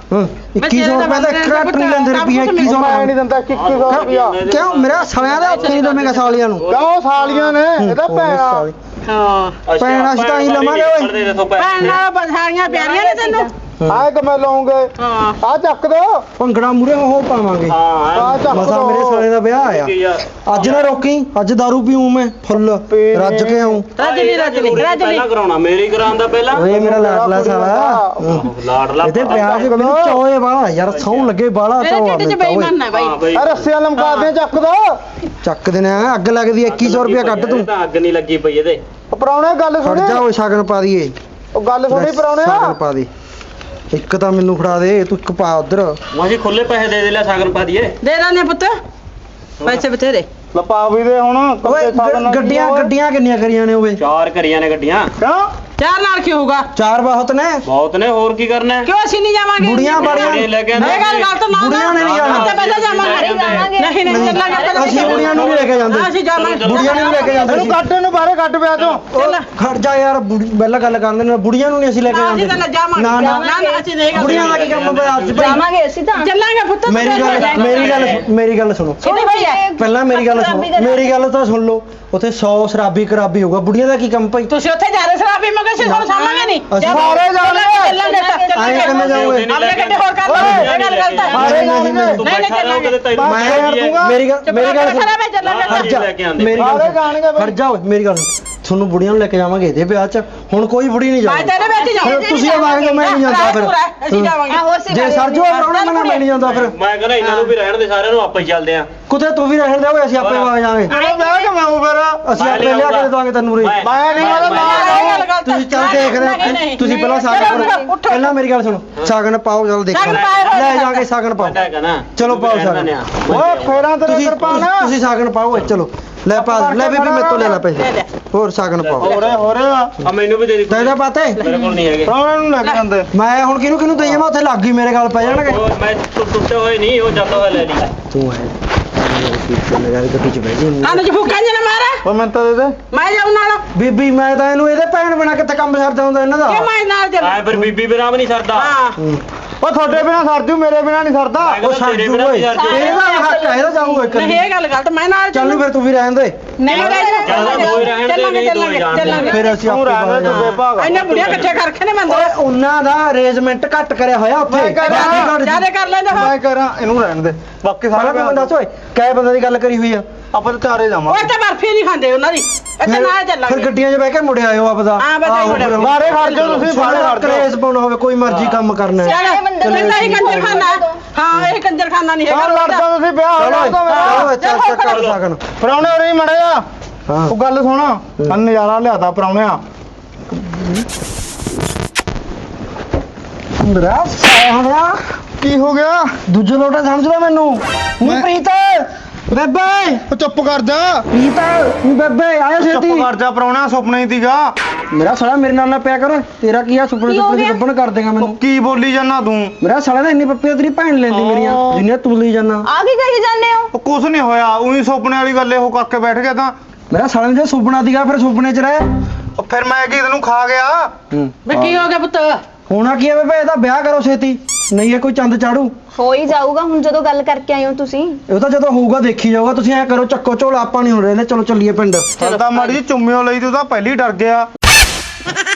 Speaker 2: 2100 ਰੁਪਏ ਦਾ 1 ਘੱਟ ਨਹੀਂ ਲੈਂਦੇ ਰੁਪਿਆ 2100
Speaker 1: ਮੈਂ ਨਹੀਂ ਦਿੰਦਾ 2100 ਰੁਪਿਆ।
Speaker 2: ਕਿਉਂ ਮੇਰਾ ਸਾਲਿਆਂ ਦਾ ਉੱਥੇ ਨਹੀਂ ਦਵੇਂਗਾ ਸਾਲੀਆਂ ਨੂੰ।
Speaker 1: ਕਿਉਂ ਸਾਲੀਆਂ ਨੇ ਇਹਦਾ ਭੈਣਾ।
Speaker 4: ਹਾਂ
Speaker 2: ਭੈਣ ਅਸੀਂ ਤਾਂ ਹੀ ਲਵਾਂਗੇ ਓਏ।
Speaker 6: ਦੇ ਦੇਖੋ
Speaker 4: ਭੈਣ ਨਾਲ ਬਸਾਰੀਆਂ ਪਿਆਰੀਆਂ ਨੇ ਤੈਨੂੰ।
Speaker 1: ਆਏ ਕਿ ਮੈਂ ਲਾਉਂਗੇ।
Speaker 4: ਹਾਂ
Speaker 1: ਆ ਚੱਕ ਦੋ।
Speaker 2: ਭੰਗੜਾ ਮੂਰੇ ਉਹ ਪਾਵਾਂਗੇ।
Speaker 6: ਹਾਂ
Speaker 1: ਆ ਚੱਕ
Speaker 2: ਮਸਾ
Speaker 1: ਦੋ।
Speaker 2: ਮੇਰੇ ਸਾਲੇ ਦਾ ਵਿਆਹ ਆਇਆ।
Speaker 6: ਯਾਰ
Speaker 2: ਅੱਜ ਨਾ ਰੋਕੀ, ਅੱਜ ਦਾਰੂ ਪੀਉਂ ਮੈਂ ਫੁੱਲ ਰੱਜ ਕੇ ਆਉਂ।
Speaker 4: ਰੱਜ
Speaker 6: ਪਹਿਲਾਂ ਕਰਾਉਣਾ ਮੇਰੀ ਕਰਾਉਣ ਦਾ ਪਹਿਲਾਂ।
Speaker 2: ਓਏ ਮੇਰਾ ਲਾਡਲਾ ਸਾਲਾ।
Speaker 6: ਲਾਡਲਾ
Speaker 2: ਇਹਦੇ ਵਿਆਹ ਦੇ ਮੈਨੂੰ ਚੋਏ ਵਾਲਾ ਯਾਰ, ਸੌਂ ਲੱਗੇ ਬਾਲਾ
Speaker 4: ਇਹ
Speaker 2: ਚੋਆ
Speaker 4: ਢਿੱਡ ਚ
Speaker 2: ਮੈਨੂੰ
Speaker 4: ਬੇਈਮਾਨ ਹੈ ਬਾਈ।
Speaker 6: ਹਾਂ ਬਈ
Speaker 1: ਆ ਰੱਸਿਆਂ ਲਮਕਾ ਦੇ, ਚੱਕ ਦੋ।
Speaker 2: ਚੱਕ ਦੇਣਾ ਅੱਗ ਲੱਗਦੀ 2100 ਰੁਪਿਆ ਕੱਢ ਤੂੰ।
Speaker 6: ਇਹ ਤਾਂ ਅੱਗ ਨਹੀਂ ਲੱਗੀ ਪਈ ਇਹਦੇ।
Speaker 1: ਪ੍ਰਾਹੁਣੇ ਗੱਲ
Speaker 2: ਖੜ
Speaker 1: ਸੁਣੀ।
Speaker 2: ਜਾ ਓਏ ਸ਼ਗਨ ਪਾ ਦਈਏ।
Speaker 1: ਉਹ ਗੱਲ ਸੁਣੀ
Speaker 2: ਸ਼ਗਨ
Speaker 1: ਪ੍ਰਾਹੁਣਿਆ।
Speaker 2: ਪਾ ਦੇ। ਇੱਕ ਤਾਂ ਮੈਨੂੰ ਫੜਾ ਦੇ, ਤੂੰ ਇੱਕ ਪਾ ਉਧਰ।
Speaker 6: ਮਾਜੀ ਖੁੱਲੇ ਪੈਸੇ ਦੇ ਦੇ ਲੈ ਸਾਗਨ ਪਾ ਦਈਏ।
Speaker 4: ਦੇ ਦਾਨੇ ਪੁੱਤ ਪੈਸੇ ਬਥੇਰੇ।
Speaker 1: ਲਪਾ ਵੀ ਦੇ ਹੁਣ।
Speaker 2: ਓਏ ਗੱਡੀਆਂ ਕਿੰਨੀਆਂ ਕਰੀਆਂ ਨੇ ਓਏ?
Speaker 6: 4 ਕਰੀਆਂ ਨੇ ਗੱਡੀਆਂ।
Speaker 1: ਕਿਉਂ?
Speaker 4: ਚਾਰ ਨਾਲ ਕੀ ਹੋਊਗਾ?
Speaker 2: 4 ਬਹੁਤ ਨੇ।
Speaker 6: ਬਹੁਤ ਨੇ, ਹੋਰ ਕੀ ਕਰਨਾ ਹੈ?
Speaker 4: ਕਿਉਂ ਅਸੀਂ ਨਹੀਂ ਜਾਵਾਂਗੇ?
Speaker 2: ਬੁੜੀਆਂ
Speaker 6: ਗੱਡੀਆਂ
Speaker 2: ਬਾੜੀਆਂ
Speaker 6: ਲੈ ਕੇ ਆਉਂਦੇ
Speaker 4: ਇਹ ਗੱਲ ਗਲਤ ਨਾ।
Speaker 2: ਬੁੜੀਆਂ ਨੇ ਨਹੀਂ ਜਾਣਾ।
Speaker 4: ਤਾਂ ਪਹਿਲਾਂ ਜਾਵਾਂਗੇ। ਨਹੀਂ ਨਹੀਂ ਚੱਲਾਂਗੇ ਪਹਿਲਾਂ।
Speaker 2: ਅਸੀਂ ਬੁੜੀਆਂ ਨੂੰ ਵੀ ਲੈ ਕੇ ਜਾਂਦੇ।
Speaker 4: ਅਸੀਂ ਜਾਵਾਂਗੇ।
Speaker 2: ਬੁੜੀਆਂ ਨੂੰ ਵੀ ਲੈ ਕੇ ਜਾਂਦੇ
Speaker 1: ਇਹਨੂੰ
Speaker 2: ਸੀ।
Speaker 1: ਕੱਢ, ਇਹਨੂੰ ਬਾਹਰੇ ਕੱਢ ਪਿਆ ਤੂੰ।
Speaker 4: ਚੱਲ
Speaker 2: ਖੜ ਜਾ ਯਾਰ, ਪਹਿਲਾਂ ਗੱਲ ਕਰਦੇ ਨੇ ਬੁੜੀਆਂ ਨੂੰ ਨਹੀਂ ਅਸੀਂ ਲੈ ਕੇ
Speaker 4: ਅਸੀਂ ਤਾਂ
Speaker 2: ਜਾਂਦੇ।
Speaker 4: ਜਾਵਾਂਗੇ।
Speaker 2: ਨਾ ਨਾ
Speaker 4: ਨਾ ਅਸੀਂ ਨਹੀਂ
Speaker 2: ਬੁੜੀਆਂ ਦਾ ਕੀ ਕੰਮ ਹੈ ਅੱਜ ਭਾਈ?
Speaker 5: ਜਾਵਾਂਗੇ ਅਸੀਂ ਤਾਂ।
Speaker 4: ਚੱਲਾਂਗੇ ਪੁੱਤ।
Speaker 2: ਮੇਰੀ ਗੱਲ ਸੁਣੋ।
Speaker 4: ਕਿੰਨੀ ਭਾਈ ਹੈ?
Speaker 2: ਪਹਿਲਾਂ ਮੇਰੀ ਗੱਲ ਸੁਣੋ, ਮੇਰੀ ਗੱਲ ਤਾਂ ਸੁਣ ਲਓ। ਉੱਥੇ 100 ਸ਼ਰਾਬੀ ਖਰਾਬੀ ਹੋਊਗਾ, ਬੁੜੀਆਂ ਦਾ ਕੀ ਕੰਮ ਭਾਈ?
Speaker 4: ਤੁਸੀਂ ਉੱਥੇ ਜਾ ਰਹੇ ਸ਼ਰਾਬੀ ਮਗਰ ਸੀ ਤੁਹਾਨੂੰ ਸਾਹਮਣੇ ਨਹੀਂ।
Speaker 2: ਅਸੀਂ
Speaker 1: ਸਾਰੇ
Speaker 4: ਚੱਲਾਂਗੇ
Speaker 2: ਆਏ ਕਿਵੇਂ ਜਾਓਗੇ?
Speaker 4: ਆਪਣੇ ਗੱਡੇ ਹੋਰ ਕਰ ਲਓ। ਇਹ ਗੱਲ ਗਲਤ ਹੈ।
Speaker 1: ਸਾਰੇ ਜਾਣਗੇ।
Speaker 6: ਤੂੰ ਬੈਠਾ ਰਹੋ ਕਦੇ ਤੈਨੂੰ
Speaker 2: ਮੈਂ ਯਾਰ ਮੇਰੀ ਗੱਲ ਸੁਣ।
Speaker 4: ਖਰਾਬ ਹੈ ਚੱਲਾਂਗੇ।
Speaker 2: ਖੜ ਜਾ
Speaker 6: ਲੈ ਕੇ ਆਉਂਦੇ।
Speaker 2: ਮੇਰੀ ਗੱਲ
Speaker 1: ਸਾਰੇ ਜਾਣਗੇ
Speaker 2: ਸੁਣ।
Speaker 1: ਬਈ।
Speaker 2: ਖੜ ਜਾ ਓਏ, ਮੇਰੀ ਗੱਲ ਸੁਣ। ਤੁਹਾਨੂੰ ਬੁੜੀਆਂ ਨੂੰ ਲੈ ਕੇ ਜਾਵਾਂਗੇ ਇਹਦੇ ਵਿਆਹ 'ਚ। ਹੁਣ ਕੋਈ ਬੁੜੀ ਨਹੀਂ
Speaker 4: ਮੈਂ
Speaker 2: ਜਾਊਗੀ।
Speaker 4: ਤੇਰੇ ਵਿੱਚ
Speaker 2: ਫਿਰ
Speaker 4: ਜਾਵਾਂਗੇ।
Speaker 2: ਤੁਸੀਂ ਆਵਾਂਗੇ, ਮੈਂ ਨਹੀਂ ਜਾਂਦਾ ਫਿਰ।
Speaker 4: ਅਸੀਂ ਜਾਵਾਂਗੇ।
Speaker 2: ਜੇ ਸਰ ਜੋ ਪ੍ਰਾਹੁਣਾ ਮੈਂ ਨਹੀਂ ਜਾਂਦਾ ਫਿਰ।
Speaker 6: ਮੈਂ ਕਹਿੰਦਾ ਇਹਨਾਂ ਨੂੰ ਵੀ ਰਹਿਣ ਦੇ, ਸਾਰਿਆਂ ਨੂੰ ਆਪਾਂ ਹੀ ਚੱਲਦੇ ਆਂ।
Speaker 2: ਕੁੱਤੇ ਤੂੰ ਵੀ ਰਹਿਣ ਦੇ ਓਏ, ਅਸੀਂ ਆਪੇ ਆ ਜਾਵਾਂਗੇ।
Speaker 1: ਮੈਂ ਕਿ ਮੈਂ ਫਿਰ
Speaker 2: ਅਸੀਂ ਆਪੇ ਲਿਆ ਕੇ ਦਵਾਂਗੇ ਤੈਨੂੰ ਰੇ।
Speaker 1: ਮੈਂ ਨਹੀਂ ਉਹਦਾ ਨਾਲ।
Speaker 2: ਤੁਸੀਂ ਚੱਲ ਦੇਖਦੇ ਆ। ਤੁਸੀਂ ਪਹਿਲਾਂ ਸਾਗਨ ਪਹਿਲਾਂ ਮੇਰੀ ਗੱਲ ਸੁਣੋ। ਸਾਗਨ ਪਾਓ, ਚੱਲ ਦੇਖੋ।
Speaker 4: ਸਾਗਨ ਪਾਓ।
Speaker 2: ਲੈ ਜਾ ਕੇ ਸਾਗਨ ਪਾਓ।
Speaker 6: ਮੈਂ ਕਹਿੰਦਾ
Speaker 2: ਚਲੋ ਪਾਓ ਸਾਗਨ।
Speaker 1: ਓਏ ਫੇਰਾਂ ਤੇਰੇ
Speaker 2: ਤੁਸੀਂ
Speaker 1: ਕਿਰਪਾਨ।
Speaker 2: ਤੁਸੀਂ ਸਾਗਨ ਪਾਓ ਓਏ, ਚਲੋ ਲੈ ਪਾ ਲੈ ਬੀਬੀ ਮੇਰੇ ਤੋਂ ਲੈ ਲੈ ਪੈਸੇ। ਹੋਰ ਸਾਗਨ ਪਾਓ।
Speaker 1: ਹੋ ਰਿਹਾ
Speaker 6: ਆ ਮੈਨੂੰ ਵੀ ਦੇ ਦੇ।
Speaker 2: ਤੈਨੂੰ ਪਾਤੇ
Speaker 6: ਮੇਰੇ ਕੋਲ ਨਹੀਂ ਹੈਗੇ।
Speaker 1: ਪ੍ਰਾਹੁਣੇ ਨੂੰ ਲੈ ਕੇ ਜਾਂਦੇ।
Speaker 2: ਮੈਂ ਹੁਣ ਕਿਹਨੂੰ ਦੇਈ ਜਾਵਾਂ? ਉੱਥੇ ਲੱਗ ਗਈ ਮੇਰੇ ਗੱਲ ਪੈ ਜਾਣਗੇ।
Speaker 6: ਉਹ ਮੈਂ ਟੁੱਟੇ ਹੋਏ ਨਹੀਂ, ਉਹ ਜਾਂਦਾ ਹੋਇਆ ਲੈ ਲਈ।
Speaker 2: ਤੂੰ ਹੈ ਚੱਲ ਯਾਰ ਗੱਡੀ 'ਚ ਬਹਿ ਜੀ
Speaker 4: ਕੰਨ 'ਚ ਫੂਕਾਂ ਜਿਹਾ ਨਾ ਮਾਰ
Speaker 1: ਉਹ ਮੈਂ ਤਾਂ ਦੇ ਦੇ
Speaker 4: ਮੈਂ ਜਾਉ ਨਾਲ
Speaker 2: ਬੀਬੀ ਮੈਂ ਤਾਂ ਇਹਨੂੰ ਇਹਦੇ ਭੈਣ ਬਿਨਾ ਕਿੱਥੇ ਕੰਮ ਸਰਦਾ ਹੁੰਦਾ ਇਹਨਾਂ ਦਾ
Speaker 4: ਕਿ ਮੈਂ ਨਾਲ ਚੱਲ
Speaker 6: ਆਏ ਫਿਰ ਬੀਬੀ ਬਿਨਾਂ ਵੀ ਨਹੀਂ ਸਰਦਾ
Speaker 4: ਹਾਂ
Speaker 1: ਉਹ ਤੁਹਾਡੇ ਬਿਨਾ ਸਰਜੂ ਮੇਰੇ ਬਿਨਾ ਨਹੀਂ ਸਰਦਾ
Speaker 6: ਮੈਂ ਕਹਿੰਦਾ ਤੇਰੇ ਬਿਨਾਂ ਵੀ ਸਰਦਾ
Speaker 2: ਇਹਦਾ ਹੱਕ ਹੈ ਇਹਦਾ ਜਾਊ ਇੱਕ
Speaker 4: ਨਹੀਂ ਇਹ ਗੱਲ ਗਲਤ ਮੈਂ ਨਾਲ
Speaker 2: ਚੱਲ ਨੂੰ ਫਿਰ ਤੂੰ ਵੀ ਰਹਿਣ ਦੇ
Speaker 4: ਨਹੀਂ
Speaker 6: ਚੱਲ ਦੋ ਹੀ ਰਹਿਣ ਦੇ, ਨਹੀਂ ਦੋ ਹੀ ਜਾਣ ਦੇ।
Speaker 2: ਫਿਰ ਅਸੀਂ
Speaker 1: ਤੂੰ
Speaker 2: ਆਪੇ
Speaker 1: ਰਹਿਣ ਦੇ
Speaker 2: ਬਾਹਰ
Speaker 1: ਤੂੰ ਬੇਭਾਗ
Speaker 4: ਇੰਨੇ ਬੁੜੀਆਂ ਇਕੱਠੇ ਕਰ ਰੱਖੇ ਨੇ ਬੰਦੇ
Speaker 2: ਓਏ ਉਹਨਾਂ ਦਾ ਅਰੇਂਜਮੈਂਟ ਘੱਟ ਕਰਿਆ ਹੋਇਆ ਉੱਥੇ
Speaker 1: ਮੈਂ ਕਹਿ ਰਿਹਾ,
Speaker 2: ਬਾਕੀ ਘੱਟ
Speaker 4: ਜਿਆਦਾ ਕਰ ਲੈਂਦੇ ਹੋ
Speaker 1: ਮੈਂ ਕਰਾਂ ਇਹਨੂੰ ਰਹਿਣ ਦੇ ਬਾਕੀ
Speaker 2: ਸਾਰਾ
Speaker 1: ਸਾਰੇ
Speaker 2: ਤੂੰ ਦੱਸ ਓਏ ਕੈ ਬੰਦੇ ਦੀ ਗੱਲ ਕਰੀ ਹੋਈ ਆ
Speaker 1: ਆਪਾਂ ਤਾਂ ਚਾਰੇ
Speaker 4: ਉਹ
Speaker 1: ਜਾਵਾਂਗੇ
Speaker 4: ਤਾਂ ਬਰਫੀ ਨਹੀਂ ਖਾਂਦੇ ਉਹਨਾਂ ਦੀ ਇੱਥੇ ਨਾਲ
Speaker 2: ਫਿਰ
Speaker 4: ਚੱਲਾਂਗੇ
Speaker 2: ਗੱਡੀਆਂ 'ਚ ਬਹਿ ਕੇ ਮੁੜ ਆਇਓ ਆਪਦਾ
Speaker 4: ਹਾਂ, ਬਸ ਆਹੀ ਮੁੜਿਆ।
Speaker 1: ਬਾਹਰੇ ਖੜ ਜਾਓ ਤੁਸੀਂ ਬਾਹਰੇ ਖੜ ਜਾਓ
Speaker 2: ਕ੍ਰੇਜ਼ ਪਾਉਣਾ ਹੋਵੇ ਕੋਈ ਮਰਜ਼ੀ ਕੰਮ ਕਰਨਾ ਹੈ
Speaker 4: ਚੱਲ ਬੰਦਾ ਹੀ ਕੰਜਰਖਾਨਾ ਹਾਂ ਇਹ ਕੰਜਰਖਾਨਾ ਨਹੀਂ
Speaker 1: ਹਾਂ
Speaker 4: ਹੈਗਾ
Speaker 1: ਲੜਦਾ ਤੁਸੀਂ ਵਿਆਹ ਹੋ
Speaker 2: ਚਲੋ
Speaker 1: ਜਾਊਗਾ ਮੇਰਾ
Speaker 2: ਚਲੋ ਚੱਲ ਚੱਲ ਕਰ ਸਕਣ
Speaker 1: ਪਰਾਉਣੇ ਹੋ ਰਹੀ ਮੜਿਆ
Speaker 2: ਹਾਂ
Speaker 1: ਉਹ ਗੱਲ ਸੁਣ ਮੈਂ ਨਜ਼ਾਰਾ ਲਿਆਤਾ ਪਰਾਉਣਿਆ
Speaker 2: ਮੇਰਾ ਸਾਹਮਣਾ
Speaker 1: ਕੀ ਹੋ ਗਿਆ
Speaker 2: ਦੂਜੇ ਲੋਟਾ ਸਮਝਦਾ ਮੈਨੂੰ ਨੀ ਪ੍ਰੀਤ ਬੇਬੇ
Speaker 1: ਉਹ ਚੁੱਪ ਕਰ ਜਾ
Speaker 2: ਪ੍ਰੀਤ ਨੀ ਬੇਬੇ ਆਇਆ
Speaker 1: ਚੁੱਪ
Speaker 2: ਛੇਤੀ
Speaker 1: ਕਰ ਜਾ ਪਰਾਉਣਿਆ ਸੁਪਨਾ ਹੀ ਸੀਗਾ
Speaker 2: ਮੇਰਾ ਸਾਲਾ ਮੇਰੇ ਨਾਲ ਨਾ ਪਿਆ ਕਰ ਤੇਰਾ ਕੀ ਆ ਸੁਪਨੇ ਸੁਪਨੇ ਦੀ ਗੱਬਣ ਕਰ ਦੇਗਾ ਮੈਨੂੰ
Speaker 1: ਉਹ ਕੀ ਬੋਲੀ ਜਾਨਾ ਤੂੰ
Speaker 2: ਮੇਰਾ ਸਾਲਾ ਤਾਂ ਇੰਨੀ ਪੱਪੀਆਂ ਤੇਰੀ ਭੈਣ ਲੈਂਦੀ ਮੇਰੀਆਂ ਜਿੰਨੀਆਂ ਤੂੰ ਲਈ ਜਾਨਾ
Speaker 5: ਆ ਕੀ ਕਹੀ ਜਾਂਦੇ ਹੋ
Speaker 1: ਉਹ ਕੁਛ ਨਹੀਂ ਹੋਇਆ ਉਹੀ ਸੁਪਨੇ ਵਾਲੀ ਗੱਲ ਇਹੋ ਕਰਕੇ ਬੈਠ ਗਿਆ ਤਾਂ
Speaker 2: ਮੇਰਾ ਸਾਲੇ ਨੇ ਜੇ ਸੁਪਨਾ ਦੀਗਾ ਫਿਰ ਸੁਪਨੇ 'ਚ ਰਹਿ
Speaker 1: ਉਹ ਫਿਰ ਮੈਂ ਕੀ ਤੈਨੂੰ ਖਾ ਗਿਆ
Speaker 4: ਵੇ ਕੀ ਹੋ ਗਿਆ ਪੁੱਤ
Speaker 2: ਹੋਣਾ ਕੀ ਹੈ ਬੇਬੇ ਇਹਦਾ ਵਿਆਹ ਕਰੋ ਛੇਤੀ ਨਹੀਂ ਇਹ ਕੋਈ ਚੰਦ ਚਾੜੂ
Speaker 5: ਹੋ ਹੀ ਜਾਊਗਾ ਹੁਣ ਜਦੋਂ ਗੱਲ ਕਰਕੇ ਆਏ ਹੋ ਤੁਸੀਂ
Speaker 2: ਇਹ ਤਾਂ ਜਦੋਂ ਹੋਊਗਾ ਦੇਖੀ ਜਾਊਗਾ ਤੁਸੀਂ ਐ ਕਰੋ ਚੱਕੋ ਝੋਲਾ ਆਪਾਂ ਨਹੀਂ ਹੁਣ ਰਹਿੰਦੇ ਚਲੋ ਚੱਲੀਏ ਪਿੰਡ
Speaker 1: ਚੱਲਦਾ ਮਾੜੀ ਜੀ ਚੁੰਮਿਓ ਲਈ ਤੂੰ ਤਾਂ ਪਹਿਲੀ ਡਰ ਗਿਆ